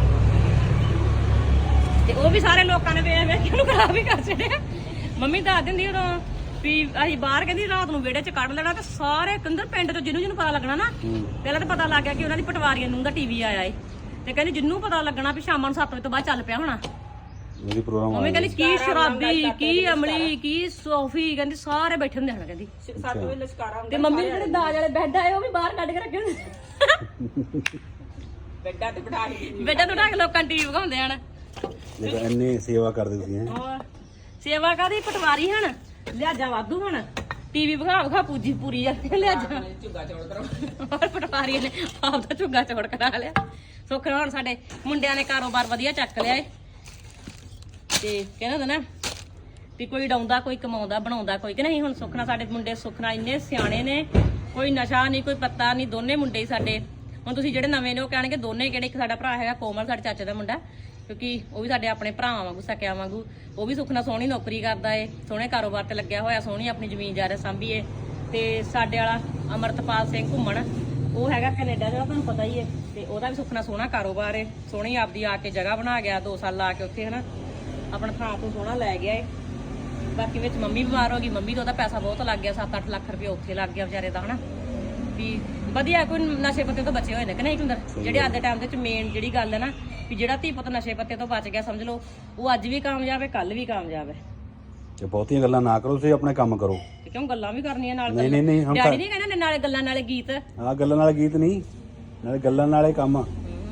[SPEAKER 1] ਤੇ ਉਹ ਵੀ ਸਾਰੇ ਲੋਕਾਂ ਨੇ ਵੇਖ ਵੇਖ ਕੇ ਉਹਨੂੰ ਖਰਾਬ ਹੀ ਕਰ ਛੱਡਿਆ। ਮੰਮੀ ਦੱਸ ਦਿੰਦੀ ਉਦੋਂ ਵੀ ਅਸੀਂ ਬਾਹਰ ਕਹਿੰਦੀ ਰਾਤ ਨੂੰ ਵਿਹੜੇ 'ਚ ਕੱਢ ਲੈਣਾ, ਤੇ ਸਾਰੇ ਕੰਦਰ ਪਿੰਡ 'ਚ ਜਿਹਨੂੰ ਪਤਾ ਲੱਗਣਾ ਨਾ, ਪਹਿਲਾਂ ਤਾਂ ਪਤਾ ਲੱਗ ਗਿਆ ਕਿ ਉਹਨਾਂ ਦੀ ਪਟਵਾਰੀਆਂ ਨੂੰ ਦਾ ਟੀਵੀ ਆਇਆ ਏ, ਤੇ ਕਹਿੰਦੀ ਜਿਹਨੂੰ ਪਤਾ ਲੱਗਣਾ ਵੀ ਸ਼ਾਮਾਂ ਨੂੰ 7 ਵਜੇ ਤੋਂ ਬਾਅਦ ਚੱਲ ਪਿਆ ਹੋਣਾ।
[SPEAKER 4] ਮੇਰੀ ਪ੍ਰੋਗਰਾਮ
[SPEAKER 1] ਮੰਮੀ ਕਹਿੰਦੀ ਕੀ ਸ਼ਰਾਬੀ, ਕੀ ਅਮਲੀ, ਕੀ ਸੋਫੀ, ਕਹਿੰਦੀ ਸਾਰੇ ਬੈਠੇ ਹੁੰਦੇ ਹਨ ਕਹਿੰਦੀ।
[SPEAKER 3] 7 ਵਜੇ ਲਸ਼ਕਾਰਾ
[SPEAKER 1] ਤੇ ਮੰਮੀ ਦੇ ਜਿਹੜੇ ਦਾਜ ਵਾਲੇ ਬੈੱਡ ਆਏ ਉਹ ਵੀ ਬਾਹਰ ਕੱਢ ਕੇ ਰੱਖੇ ਹੁੰਦੇ,
[SPEAKER 3] ਬੈੱਡਾਂ ਤੇ ਬਿਠਾ ਕੇ
[SPEAKER 1] ਬੈੱਡਾਂ ਤੋਂ ਢੱਕ ਲੋਕਾਂ ਟੀਵੀ ਵਿਖਾਉਂਦੇ ਹਨ।
[SPEAKER 4] ਦੇਖੋ ਇੰਨੇ ਸੇਵਾ ਕਰਦੇ ਤੁਸੀਂ ਹੈਂ।
[SPEAKER 1] ਹੋਰ ਸੇਵਾ ਕਾਦੀ, ਪਟਵਾਰੀ ਹਨ, ਲਿਆਜਾ ਵਾਧੂ ਹੁਣ, ਟੀਵੀ ਵਿਖਾ ਪੂਜੀ ਪੂਰੀ ਜਾਂਦੇ ਲਿਆਜਾ।
[SPEAKER 3] ਝੁੱਗਾ ਚੌੜ ਕਰੋ।
[SPEAKER 1] ਹੋਰ ਪਟਵਾਰੀ ਨੇ ਆਪ ਦਾ ਝੁੱਗਾ ਚੌੜ ਕਰਾ ਲਿਆ। ਸੁੱਖ ਨਾਲ ਹੁਣ ਸਾਡੇ ਮੁੰਡਿਆਂ ਨੇ ਕਾਰੋਬਾਰ ਵਧੀਆ ਚੱਕ ਲਿਆ ਏ, ਤੇ ਕਹਿੰਦੇ ਹੁੰਦੇ ਨਾ ਵੀ ਕੋਈ ਡਾਉਂਦਾ, ਕੋਈ ਕਮਾਉਂਦਾ, ਬਣਾਉਂਦਾ ਕੋਈ, ਕਿ ਨਹੀਂ। ਹੁਣ ਸੁੱਖ ਨਾਲ ਸਾਡੇ ਮੁੰਡੇ ਸੁੱਖ ਨਾਲ ਇੰਨੇ ਸਿਆਣੇ ਨੇ, ਕੋਈ ਨਸ਼ਾ ਨਹੀਂ, ਕੋਈ ਪੱਤਾ ਨਹੀਂ, ਦੋਨੇ ਮੁੰਡੇ ਹੀ ਸਾਡੇ। ਹੁਣ ਤੁਸੀਂ ਜਿਹੜੇ ਨਵੇਂ ਨੇ ਉਹ ਕਹਿਣਗੇ ਦੋਨੇ ਕਿਹੜੇ, ਇੱਕ ਸਾਡਾ ਭਰਾ ਹੈਗਾ ਕੋਮਲ, ਸਾਡੇ ਚਾਚੇ ਦਾ ਮੁੰਡਾ, ਕਿਉਂਕਿ ਉਹ ਵੀ ਸਾਡੇ ਆਪਣੇ ਭਰਾਵਾਂ ਵਾਂਗੂ, ਸਕਿਆਂ ਵਾਂਗੂ। ਉਹ ਵੀ ਸੁੱਖ ਨਾਲ ਸੋਹਣੀ ਨੌਕਰੀ ਕਰਦਾ ਏ, ਸੋਹਣੇ ਕਾਰੋਬਾਰ ਤੇ ਲੱਗਿਆ ਹੋਇਆ, ਸੋਹਣੀ ਆਪਣੀ ਜ਼ਮੀਨ ਜਾਇਦਾਦ ਸਾਂਭੀਏ। ਤੇ ਸਾਡੇ ਵਾਲਾ ਅਮਰਤਪਾਲ ਸਿੰਘ ਘੁੰਮਣ, ਉਹ ਹੈਗਾ ਕੈਨੇਡਾ ਦਾ, ਤੁਹਾਨੂੰ ਪਤਾ ਹੀ ਏ, ਤੇ ਉਹਦਾ ਵੀ ਸੁੱਖ ਨਾਲ ਸੋਹਣਾ ਕਾਰੋਬਾਰ ਏ, ਸੋਹਣੀ ਆਪਦੀ ਆ ਕੇ ਜਗ੍ਹਾ ਬਣਾ ਗਿਆ, 2 ਸਾਲ ਲਾ ਕੇ ਉੱਥੇ ਹਨਾ ਆਪਣਾ ਥਾਂ ਤੋਂ ਸੋਹਣਾ ਲੈ ਗਿਆ ਏ। ਬਾਕੀ ਵਿੱਚ ਮੰਮੀ ਬਿਮਾਰ ਹੋ ਗਈ, ਮੰਮੀ ਦਾ ਉਹਦਾ ਪੈਸਾ ਬਹੁਤ ਲੱਗ ਗਿਆ, 7-8 ਲੱਖ ਰੁਪਏ ਉੱਥੇ ਲੱਗ ਗਿਆ ਵਿਚਾਰੇ ਦਾ ਹਨਾ। ਵੀ ਵਧੀਆ ਕੋਈ ਨਸ਼ੇ ਪੱਤੇ ਤੋਂ ਬਚੇ ਹੋਏ ਨੇ ਕਿ ਨਹੀਂ ਹੁੰਦਰ, ਜਿਹੜੇ ਅੱਜ ਦੇ ਟਾਈਮ ਦੇ ਵਿੱਚ ਮੇਨ ਜਿਹੜੀ ਗੱਲ ਹੈ ਨਾ, ਵੀ ਜਿਹੜਾ ਧੀ ਪੁੱਤ ਨਸ਼ੇ ਪੱਤੇ ਤੋਂ ਬਚ ਗਿਆ, ਸਮਝ ਲਓ ਉਹ ਅੱਜ ਵੀ ਕਾਮਯਾਬ ਹੈ, ਕੱਲ ਵੀ ਕਾਮਯਾਬ ਹੈ।
[SPEAKER 4] ਤੇ ਬਹੁਤੀਆਂ ਗੱਲਾਂ ਨਾ ਕਰੋ, ਤੁਸੀਂ ਆਪਣੇ ਕੰਮ ਕਰੋ।
[SPEAKER 1] ਤੇ ਕਿਉਂ ਗੱਲਾਂ ਵੀ ਕਰਨੀਆਂ ਨਾਲ,
[SPEAKER 4] ਨਹੀਂ ਨਹੀਂ ਨਹੀਂ,
[SPEAKER 1] ਡੈਡੀ ਨਹੀਂ ਕਹਿੰਦਾ ਨਾਲੇ ਗੱਲਾਂ ਨਾਲੇ ਗੀਤ।
[SPEAKER 4] ਆਹ ਗੱਲਾਂ ਨਾਲ ਗੀਤ ਨਹੀਂ, ਨਾਲੇ ਗੱਲਾਂ ਨਾਲੇ ਕੰਮ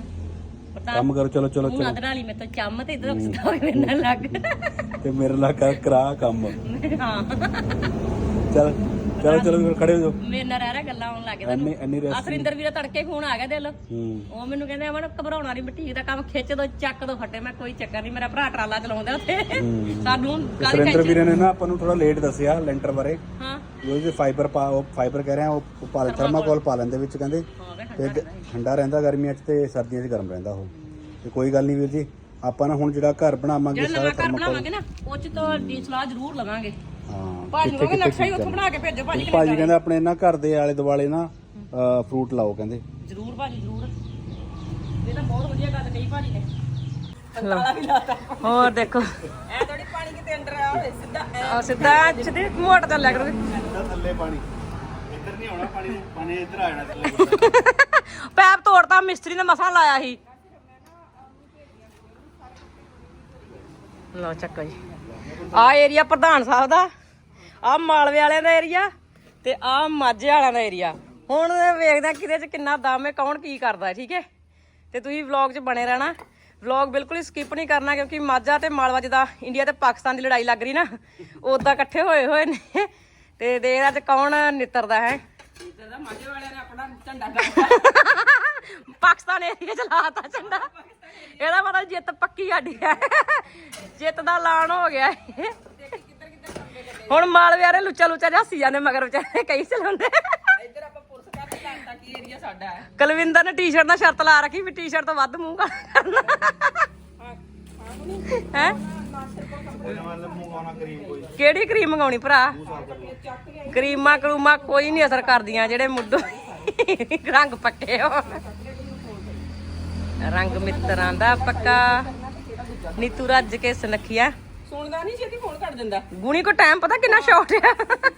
[SPEAKER 4] ਕੰਮ ਕਰੋ। ਚਲੋ ਚਲੋ
[SPEAKER 1] ਤੂੰ ਨਦਰ ਵਾਲੀ ਮੇਰੇ ਤੋਂ ਚੰਮ ਤੇ ਇਧਰ ਸਿੱਧਾ ਹੋ ਕੇ ਮੇਰੇ ਨਾਲ ਲੱਗ,
[SPEAKER 4] ਤੇ ਮੇਰੇ ਨਾਲ ਕਰਾ ਕੰਮ।
[SPEAKER 1] ਹਾਂ
[SPEAKER 4] ਚਲ ਚਲੋ ਚਲੋ ਖੜੇ ਹੋ ਜਾਓ।
[SPEAKER 1] ਮੇਰੇ ਨਾਲ ਰਹਿ ਰਿਹਾ ਗੱਲਾਂ ਆਉਣ ਲੱਗ ਗਿਆ
[SPEAKER 4] ਇੰਨੀ
[SPEAKER 1] ਤੁਹਾਨੂੰ। ਅਸਰਿੰਦਰ ਵੀਰ ਤੜਕੇ ਫੋਨ ਆ ਗਿਆ ਦਿਲ,
[SPEAKER 4] ਹੂੰ
[SPEAKER 1] ਉਹ ਮੈਨੂੰ ਕਹਿੰਦੇ ਅਮਨ ਘਬਰਾਉਣਾ ਨਹੀਂ, ਬਟੀਕ ਦਾ ਕੰਮ ਖਿੱਚ ਦੋ, ਚੱਕ ਦੋ ਫੱਟੇ। ਮੈਂ ਕੋਈ ਚੱਕਰ ਨਹੀਂ, ਮੇਰਾ ਭਰਾ ਟਰਾਲਾ ਚਲਾਉਂਦਾ ਉੱਥੇ, ਸਾਨੂੰ ਕਾਹਦੀ
[SPEAKER 4] ਸੁਰਿੰਦਰ
[SPEAKER 1] ਟੈਨਸ਼ਨ।
[SPEAKER 4] ਵੀਰੇ ਨੇ ਨਾ ਆਪਾਂ ਨੂੰ ਥੋੜਾ ਲੇਟ ਦੱਸਿਆ ਲੈਂਟਰ ਬਾਰੇ।
[SPEAKER 1] ਹਾਂ
[SPEAKER 4] ਉਹ ਫਾਈਬਰ ਕਹਿ ਰਹੇ ਆ, ਉਹ ਪਾ ਥਰਮਾਕੋਲ ਪਾ ਲੈਂਦੇ ਵਿੱਚ ਕਹਿੰਦੇ, ਤੇ ਠੰਡਾ ਰਹਿੰਦਾ ਗਰਮੀਆਂ 'ਚ ਤੇ ਸਰਦੀਆਂ 'ਚ ਗਰਮ ਰਹਿੰਦਾ ਉਹ। ਤੇ ਕੋਈ ਗੱਲ ਨਹੀਂ ਵੀਰ ਜੀ, ਆਪਾਂ ਨਾ ਹੁਣ ਜਿਹੜਾ ਘਰ ਬਣਾਵਾਂਗੇ
[SPEAKER 1] ਜਿਹੜਾ ਨਵਾਂ ਘਰ ਬਣਾਵਾਂਗੇ ਨਾ, ਉਹ 'ਚ ਤੁਹਾਡੀ ਸਲਾਹ ਜ਼ਰੂਰ ਲਵਾਂਗੇ।
[SPEAKER 4] ਹਾਂ
[SPEAKER 1] ਭਾਜੀ ਨੂੰ ਕਹਿੰਦੇ ਨਕਸ਼ਾ ਹੀ ਉੱਥੋਂ ਬਣਾ ਕੇ ਭੇਜੋ ਭਾਜੀ।
[SPEAKER 4] ਭਾਜੀ ਕਹਿੰਦਾ ਆਪਣੇ ਨਾ ਘਰ ਦੇ ਆਲੇ ਦੁਆਲੇ ਨਾ ਫਰੂਟ ਲਾਓ ਕਹਿੰਦੇ।
[SPEAKER 1] ਜ਼ਰੂਰ ਭਾਜੀ ਜ਼ਰੂਰ, ਇਹ ਤਾਂ ਬਹੁਤ ਵਧੀਆ ਗੱਲ ਕਹੀ ਭਾਜੀ ਨੇ।
[SPEAKER 3] ਤਾਲਾ ਵੀ ਲਾਤਾ।
[SPEAKER 1] ਹੋਰ ਦੇਖੋ
[SPEAKER 3] ਐ ਥੋੜੀ ਪਾਣੀ ਕਿਤੇ ਅੰਦਰ ਆ ਹੋਵੇ, ਸਿੱਧਾ
[SPEAKER 1] ਆ ਸਿੱਧਾ ਸਿੱਧੇ ਮੋਟ ਤੇ ਲਿਆ ਕਰੋ।
[SPEAKER 4] ਥੱਲੇ ਪਾਣੀ ਇੱਧਰ ਨਹੀਂ ਆਉਣਾ, ਪਾਣੀ ਇੱਧਰ ਆ ਜਾਣਾ ਥੱਲੇ।
[SPEAKER 1] ਪੈਪ ਤੋੜਤਾ ਮਿਸਤਰੀ ਨੇ, ਮਸਾਂ ਲਾਇਆ ਸੀ। ਲਓ ਚੱਕੋ ਜੀ, ਆ ਏਰੀਆ ਪ੍ਰਧਾਨ ਸਾਹਿਬ ਦਾ, ਆ ਮਾਲਵੇ ਵਾਲਿਆਂ ਦਾ ਏਰੀਆ, ਤੇ ਆ ਮਾਝੇ ਵਾਲਿਆਂ ਦਾ ਏਰੀਆ। ਹੁਣ ਵੇਖਦੇ ਆ ਕਿਹਦੇ 'ਚ ਕਿੰਨਾ ਦਮ ਹੈ, ਕੌਣ ਕੀ ਕਰਦਾ, ਠੀਕ ਹੈ। ਤੇ ਤੁਸੀਂ ਵਲੌਗ 'ਚ ਬਣੇ ਰਹਿਣਾ, ਵਲੌਗ ਬਿਲਕੁਲ ਹੀ ਸਕਿਪ ਨਹੀਂ ਕਰਨਾ, ਕਿਉਂਕਿ ਮਾਝਾ ਤੇ ਮਾਲਵਾ ਜਿੱਦਾਂ ਇੰਡੀਆ ਤੇ ਪਾਕਿਸਤਾਨ ਦੀ ਲੜਾਈ ਲੱਗ ਰਹੀ ਨਾ, ਉਦਾਂ ਇਕੱਠੇ ਹੋਏ ਨੇ। ਤੇ ਦੇਖਦਾ ਅੱਜ ਕੌਣ ਨਿੱਤਰਦਾ ਹੈ।
[SPEAKER 3] ਇਹਦਾ ਮਾਝੇ ਵਾਲਿਆਂ ਨੇ ਆਪਣਾ ਝੰਡਾ ਗੱਡਿਆ,
[SPEAKER 1] ਪਾਕਿਸਤਾਨ ਏਰੀਆ ਚ ਲਾਤਾ ਝੰਡਾ, ਇਹਦਾ ਮਤਲਬ ਜਿੱਤ ਪੱਕੀ ਸਾਡੀ ਹੈ, ਜਿੱਤ ਦਾ ਐਲਾਨ ਹੋ ਗਿਆ। ਹੁਣ ਮਾਲਵੇ ਵਾਲੇ ਲੁੱਚਾ ਜਿਹਾ ਹੱਸੀ ਜਾਂਦੇ, ਮਗਰ ਵਿਚਾਰੇ ਕਈ ਚਲਾਉਂਦੇ।
[SPEAKER 3] ਇੱਧਰ ਆਪਾਂ ਪੁਲਿਸ ਘਰ ਤੇ ਲਾਤਾ ਕੀ ਏਰੀਆ ਸਾਡਾ ਹੈ।
[SPEAKER 1] ਕੁਲਵਿੰਦਰ ਨੇ ਟੀ-ਸ਼ਰਟ ਦਾ ਸ਼ਰਤ ਲਾ ਰੱਖੀ ਵੀ ਟੀ-ਸ਼ਰਟ ਤੋਂ ਵੱਧ ਮੂੰਹ ਕਰਨਾ ਹੈ। ਕਿਹੜੀ ਕਰੀਮ ਮੰਗਾਉਣੀ ਭਰਾ? ਕਰੀਮਾਂ ਕਰੂਮਾ ਕੋਈ ਨਹੀਂ ਅਸਰ ਕਰਦੀਆਂ, ਜਿਹੜੇ ਮੁੱਢੋਂ ਰੰਗ ਪੱਕੇ ਹੋ। ਰੰਗ ਮਿੱਤਰਾਂ ਦਾ ਪੱਕਾ, ਨੀਤੂ ਰੱਜ ਕੇ ਸੁਨੱਖੀਆ।
[SPEAKER 3] ਸੁਣਦਾ ਨਹੀਂ, ਛੇਤੀ ਫੋਨ ਕਰ ਦਿੰਦਾ।
[SPEAKER 1] ਗੁਣੀ ਕੋ ਟਾਈਮ ਪਤਾ ਕਿੰਨਾ ਸ਼ਾਰਟ ਆ।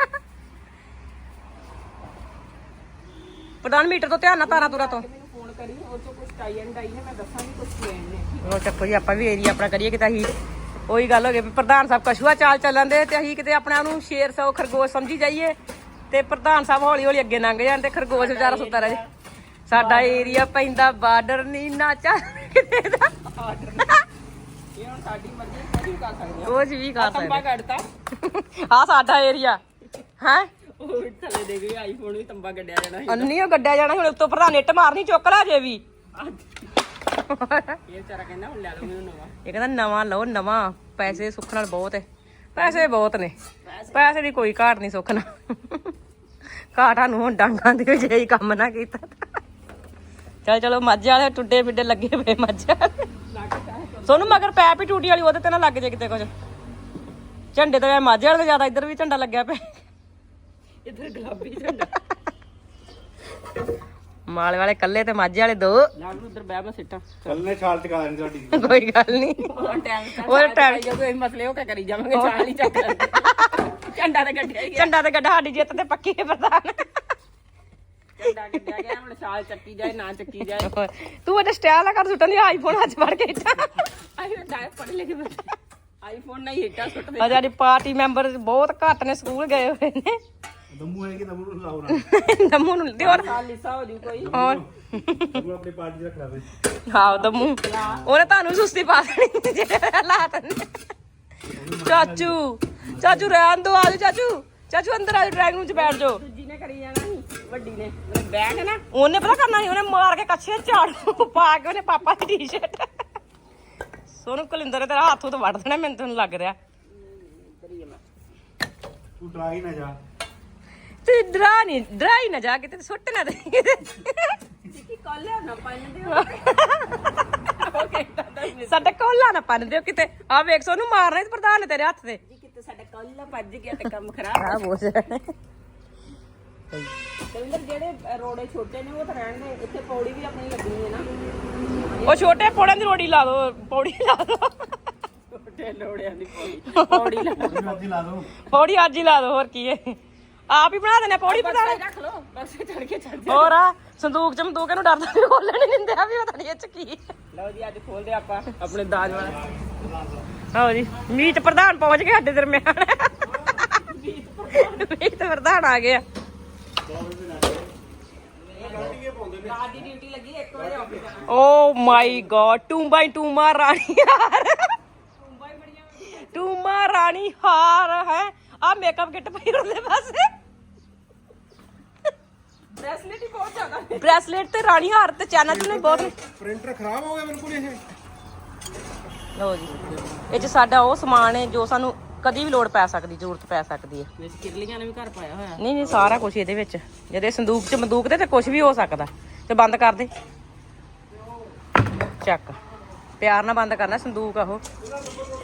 [SPEAKER 1] ਪ੍ਰਧਾਨ ਮੀਟਰ ਤੋਂ ਧਿਆਨ ਨਾਲ, ਤਾਰਾਂ ਤੁਰਾ ਤੋਂ
[SPEAKER 3] ਫੋਨ ਕਰੀ, ਉਹ ਚੋਂ ਕੁਝ ਟਾਈ ਐਂਡ ਆਈ ਹੈ, ਮੈਂ ਦੱਸਾਂਗੀ ਕੁਝ ਲੈਣ ਨੇ।
[SPEAKER 1] ਉਹ ਚੱਕੋ ਜੀ, ਆਪਾਂ ਵੀ ਏਰੀਆ ਆਪਣਾ ਕਰੀਏ ਕਿਤੇ। ਅਸੀਂ ਉਹੀ ਗੱਲ ਹੋ ਗਈ ਵੀ ਪ੍ਰਧਾਨ ਸਾਹਿਬ ਕਸ਼ੂਆ ਚਾਲ ਚੱਲਣ ਦੇ, ਤੇ ਅਸੀਂ ਕਿਤੇ ਆਪਣੇ ਆਪ ਨੂੰ ਸ਼ੇਰ ਸੌ ਖਰਗੋਸ਼ ਸਮਝੀ ਜਾਈਏ, ਤੇ ਪ੍ਰਧਾਨ ਸਾਹਿਬ ਹੌਲੀ ਹੌਲੀ ਅੱਗੇ ਲੰਘ ਜਾਣ, ਤੇ ਖਰਗੋਸ਼ ਵਿਚਾਰਾ ਸੁੱਤਾ ਰਹੇ। ਸਾਡਾ ਏਰੀਆ ਪੈਂਦਾ ਬਾਰਡਰ ਨਹੀਂ ਨਾ ਚੱਲ ਕਿਤੇ ਦਾ,
[SPEAKER 3] ਇਹ ਹੁਣ ਸਾਡੀ ਮਰਜ਼ੀ, ਕੁਝ ਵੀ ਕਰ ਸਕਦੇ
[SPEAKER 1] ਕੁਝ ਵੀ ਕਰ
[SPEAKER 3] ਤੰਬਾ
[SPEAKER 1] ਸਕਦੇ।
[SPEAKER 3] ਕੱਢਤਾ
[SPEAKER 1] ਆ ਸਾਡਾ ਏਰੀਆ ਹੈ,
[SPEAKER 3] ਉਹ ਥੱਲੇ ਦੇ ਗਏ, ਆਈਫੋਨ ਵੀ ਤੰਬਾ ਗੱਡਿਆ ਜਾਣਾ ਸੀ।
[SPEAKER 1] ਅੰਨੀ ਉਹ ਗੱਡਿਆ ਜਾਣਾ। ਹੁਣ ਉੱਤੋਂ ਪ੍ਰਧਾਨ ਇੱਟ ਮਾਰਨੀ, ਚੁੱਕ ਲੈ ਜੇ ਵੀ।
[SPEAKER 3] ਇਹ ਵਿਚਾਰਾ ਕਹਿੰਦਾ ਹੁਣ ਲੈ ਲਓ ਮੈਨੂੰ ਨਵਾਂ।
[SPEAKER 1] ਇਹ ਕਹਿੰਦਾ ਨਵਾਂ ਲਓ, ਨਵਾਂ। ਪੈਸੇ ਸੁੱਖ ਨਾਲ ਬਹੁਤ ਹੈ, ਪੈਸੇ ਬਹੁਤ ਨੇ, ਪੈਸੇ ਦੀ ਕੋਈ ਘਾਟ ਨਹੀਂ ਸੁੱਖ ਨਾਲ। ਘਾਟ ਸਾਨੂੰ ਹੁਣ ਡਾਂਗਾਂ ਦੀ ਜੇ ਹੀ ਕੰਮ ਨਾ ਕੀਤਾ। ਚਲੋ ਮਾਝੇ ਵਾਲੇ ਟੁੱਡੇ ਫਿੱਡੇ ਲੱਗੇ ਪਏ, ਮਾਝੇ ਵਾਲੇ ਸੋਨੂੰ ਮਗਰ ਪੈਪ ਹੀ ਟੂਟੀ ਵਾਲੀ, ਉਹਦੇ ਤੇ ਨਾ ਲੱਗ ਜੇ ਕਿਤੇ ਕੁਝ। ਝੰਡੇ ਤਾਂ ਮਾਝੇ ਵਾਲੇ ਤੋਂ ਜ਼ਿਆਦਾ ਇੱਧਰ ਵੀ ਝੰਡਾ ਲੱਗਿਆ ਪਿਆ।
[SPEAKER 3] ਇੱਧਰ ਗੁਲਾਬੀ ਝੰਡਾ।
[SPEAKER 1] ਮਾਲ ਵਾਲੇ ਕੱਲੇ ਤੇ ਮਾਝੇ ਵਾਲੇ 2
[SPEAKER 3] ਨਾਲ ਨੂੰ ਉਧਰ ਬਹਿ ਸਿੱਟਾਂ
[SPEAKER 4] ਕੱਲ ਨੇ ਛਾਲ ਚਕਾ ਦੇਣੀ ਤੁਹਾਡੀ
[SPEAKER 1] ਕੋਈ ਗੱਲ ਨਹੀਂ
[SPEAKER 3] ਉਹ ਟਾਈਮ ਕੋਈ ਮਸਲੇ ਉਹ ਕਰੀ ਜਾਵਾਂਗੇ ਚਾਲ ਹੀ ਚੱਕ ਝੰਡਾ ਤੇ ਗੱਡਿਆ ਹੀ ਗਿਆ
[SPEAKER 1] ਝੰਡਾ ਤੇ ਗੱਡਾ ਸਾਡੀ ਜਿੱਤ ਤੇ ਪੱਕੀ ਹੈ ਪ੍ਰਧਾਨ
[SPEAKER 3] ਝੰਡਾ ਗੱਡਿਆ ਗਿਆ ਹੁਣ ਛਾਲ ਚੱਕੀ ਜਾਏ ਨਾ ਚੱਕੀ ਜਾਏ
[SPEAKER 1] ਤੂੰ ਉਹਦੇ ਸਟਾਈਲ ਆ ਕਰ ਸੁੱਟਣ ਦੀ ਆਈਫੋਨ ਅੱਜ ਫੜ ਕੇ ਇੱਟਾਂ
[SPEAKER 3] ਆਈ ਡਾਇ ਪੜ ਲੈ ਕੇ ਆਈਫੋਨ ਨਹੀਂ ਹਿੱਟਾ ਸੁੱਟਦੇ
[SPEAKER 1] ਆ ਸਾਡੀ ਪਾਰਟੀ ਮੈਂਬਰ ਬਹੁਤ ਘੱਟ ਨੇ ਸਕੂਲ ਗਏ ਹੋਏ ਨੇ
[SPEAKER 4] ਦਮੂ ਹੈ ਕਿ ਦਮੂ ਨੂੰ ਲਾਉ ਨਾ
[SPEAKER 1] ਦਮੂ ਨੂੰ ਤੇ ਹੋਰ
[SPEAKER 3] ਸਾਲ ਲਿਸਾ ਹੋ ਜੂ ਕੋਈ
[SPEAKER 1] ਹੋਰ
[SPEAKER 4] ਦਮੂ ਆਪਣੀ ਪਾਰਟੀ ਰੱਖ ਲਾਵੇ
[SPEAKER 1] ਹਾਂ ਦਮੂ ਉਹਨੇ ਤੁਹਾਨੂੰ ਸੁਸਤੀ ਪਾ ਦੇਣੀ ਜਿਹੜੇ ਹਾਲਾਤ ਨੇ ਚਾਚੂ ਰਹਿਣ ਦੋ ਆਜੋ ਚਾਚੂ ਅੰਦਰ ਆਜੋ ਡਰਾਈਵਿੰਗ ਰੂਮ ਚ ਬੈਠ ਜਾਓ
[SPEAKER 3] ਦੂਜੀ ਨੇ ਕਰੀ ਜਾਣਾ ਸੀ ਵੱਡੀ ਨੇ ਬੈਗ ਨਾ
[SPEAKER 1] ਉਹਨੇ ਪਤਾ ਕਰਨਾ ਸੀ ਉਹਨੇ ਮਾਰ ਕੇ ਕੱਛੇ ਝਾੜੂ ਪਾ ਕੇ ਉਹਨੇ ਪਾਪਾ ਦੀ ਟੀ-ਸ਼ਰਟ ਸੋਨੂੰ ਕੁਲਿੰਦਰ ਤੇਰਾ ਹੱਥ ਤੋਂ ਵੱਢ ਦੇਣਾ ਮੈਨੂੰ ਤੁਹਾਨੂੰ ਲੱਗ ਰਿਹਾ
[SPEAKER 4] ਤੂੰ ਡਰਾਈ ਨਾ ਜਾ
[SPEAKER 1] ਤੇ ਡਰਾਈ ਨਾ ਜਾ ਕੇ ਤੇ ਸੁੱਟ ਨਾ ਦੇ
[SPEAKER 3] ਕੀ ਕਾਲਿਆ ਨਾ ਪੰਨ ਦਿਓ
[SPEAKER 1] ਸਾਡਾ ਕੋਲਾ ਨਾ ਪੰਨ ਦਿਓ ਕਿਤੇ ਆ ਵੇਖ ਸੋਨੂੰ ਮਾਰਨਾ ਤੇ ਪ੍ਰਧਾਨ ਨੇ ਤੇਰੇ ਹੱਥ ਤੇ
[SPEAKER 3] ਜੀ ਕਿਤੇ ਸਾਡਾ ਕਾਲਾ ਭੱਜ ਗਿਆ ਤੇ ਕੰਮ ਖਰਾਬ
[SPEAKER 1] ਆ ਬੋਝ
[SPEAKER 3] ਦਵਿੰਦਰ ਜਿਹੜੇ ਰੋੜੇ ਛੋਟੇ ਨੇ ਉਹ ਤਾਂ ਰਹਿਣ ਦੇ ਇੱਥੇ ਪੌੜੀ ਵੀ ਆਪਣੀ ਲੱਗਣੀ ਹੈ ਨਾ
[SPEAKER 1] ਉਹ ਛੋਟੇ ਪੌੜਾਂ ਦੀ ਰੋੜੀ ਲਾ ਦੋ ਪੌੜੀ ਲਾ ਦੋ
[SPEAKER 3] ਛੋਟੇ ਲੋੜਿਆਂ ਦੀ ਪੌੜੀ ਲਾ
[SPEAKER 4] ਅੱਜ ਲਾ ਦੋ
[SPEAKER 1] ਪੌੜੀ ਅੱਜ ਹੀ ਲਾ ਦੋ ਹੋਰ ਕੀ ਹੈ ਆਪ ਹੀ ਬਣਾ ਦੇਣਾ ਪੌੜੀ ਪ੍ਰਧਾਨ
[SPEAKER 3] ਰੱਖ ਲੋ ਬਸ ਚੜ ਕੇ ਚੱਲ
[SPEAKER 1] ਹੋਰ ਆ ਸੰਦੂਕ ਚ ਮੰਦੂਕ ਇਹਨੂੰ ਡਰਦਾ ਵੀ ਖੋਲਣ ਨਹੀਂ ਦਿੰਦੇ ਆ ਵੀ ਪਤਾ ਨਹੀਂ ਇਹ ਚ ਕੀ
[SPEAKER 3] ਲਓ ਜੀ ਅੱਜ ਖੋਲਦੇ ਆਪਾਂ ਆਪਣੇ ਦਾਜ ਵਾਲਾ
[SPEAKER 1] ਆਓ ਜੀ ਮੀਤ ਪ੍ਰਧਾਨ ਪਹੁੰਚ ਗਏ ਸਾਡੇ ਦਰਮਿਆਨ ਮੀਤ ਪ੍ਰਧਾਨ ਆ ਗਿਆ
[SPEAKER 3] ਰਾਤ ਦੀ ਡਿਊਟੀ ਲੱਗੀ 1 ਵਜੇ ਆਫਿਸ ਜਾਣਾ
[SPEAKER 1] ਓ ਮਾਈ ਗॉड ਟੂੰਬਾ ਰਾਣੀ ਹਾਰ ਟੂੰਬਾ ਰਾਣੀ ਹਾਰ ਹੈ ਆ ਮੇਕਅਪ ਕਿੱਟ ਪਈ ਉਹਦੇ ਪਾਸੇ
[SPEAKER 3] ਬ੍ਰੈਸਲੇਟ ਹੀ ਬਹੁਤ ਜ਼ਿਆਦਾ
[SPEAKER 1] ਬ੍ਰੈਸਲੇਟ ਤੇ ਰਾਣੀ ਹਾਰ ਤੇ ਚੈਨਾ ਚ ਨੇ ਬਹੁਤ
[SPEAKER 4] ਪ੍ਰਿੰਟਰ ਖਰਾਬ ਹੋ ਗਿਆ ਬਿਲਕੁਲ ਇਹ
[SPEAKER 1] ਲਓ ਜੀ ਇਹ ਚ ਸਾਡਾ ਉਹ ਸਮਾਨ ਹੈ ਜੋ ਸਾਨੂੰ ਕਦੀ ਵੀ ਲੋੜ ਪੈ ਸਕਦੀ ਜ਼ਰੂਰਤ ਪੈ ਸਕਦੀ ਹੈ
[SPEAKER 3] ਵਿੱਚ ਕਿਰਲੀਆਂ ਨੇ ਵੀ ਘਰ ਪਾਇਆ ਹੋਇਆ
[SPEAKER 1] ਨਹੀਂ ਸਾਰਾ ਕੁਝ ਇਹਦੇ ਵਿੱਚ ਜਿਹਦੇ ਸੰਦੂਕ ਚ ਬੰਦੂਕ ਤੇ ਕੁਝ ਵੀ ਹੋ ਸਕਦਾ ਤੇ ਬੰਦ ਕਰ ਦੇ ਚੱਕ ਪਿਆਰ ਨਾਲ ਬੰਦ ਕਰਨਾ ਸੰਦੂਕ ਆਹੋ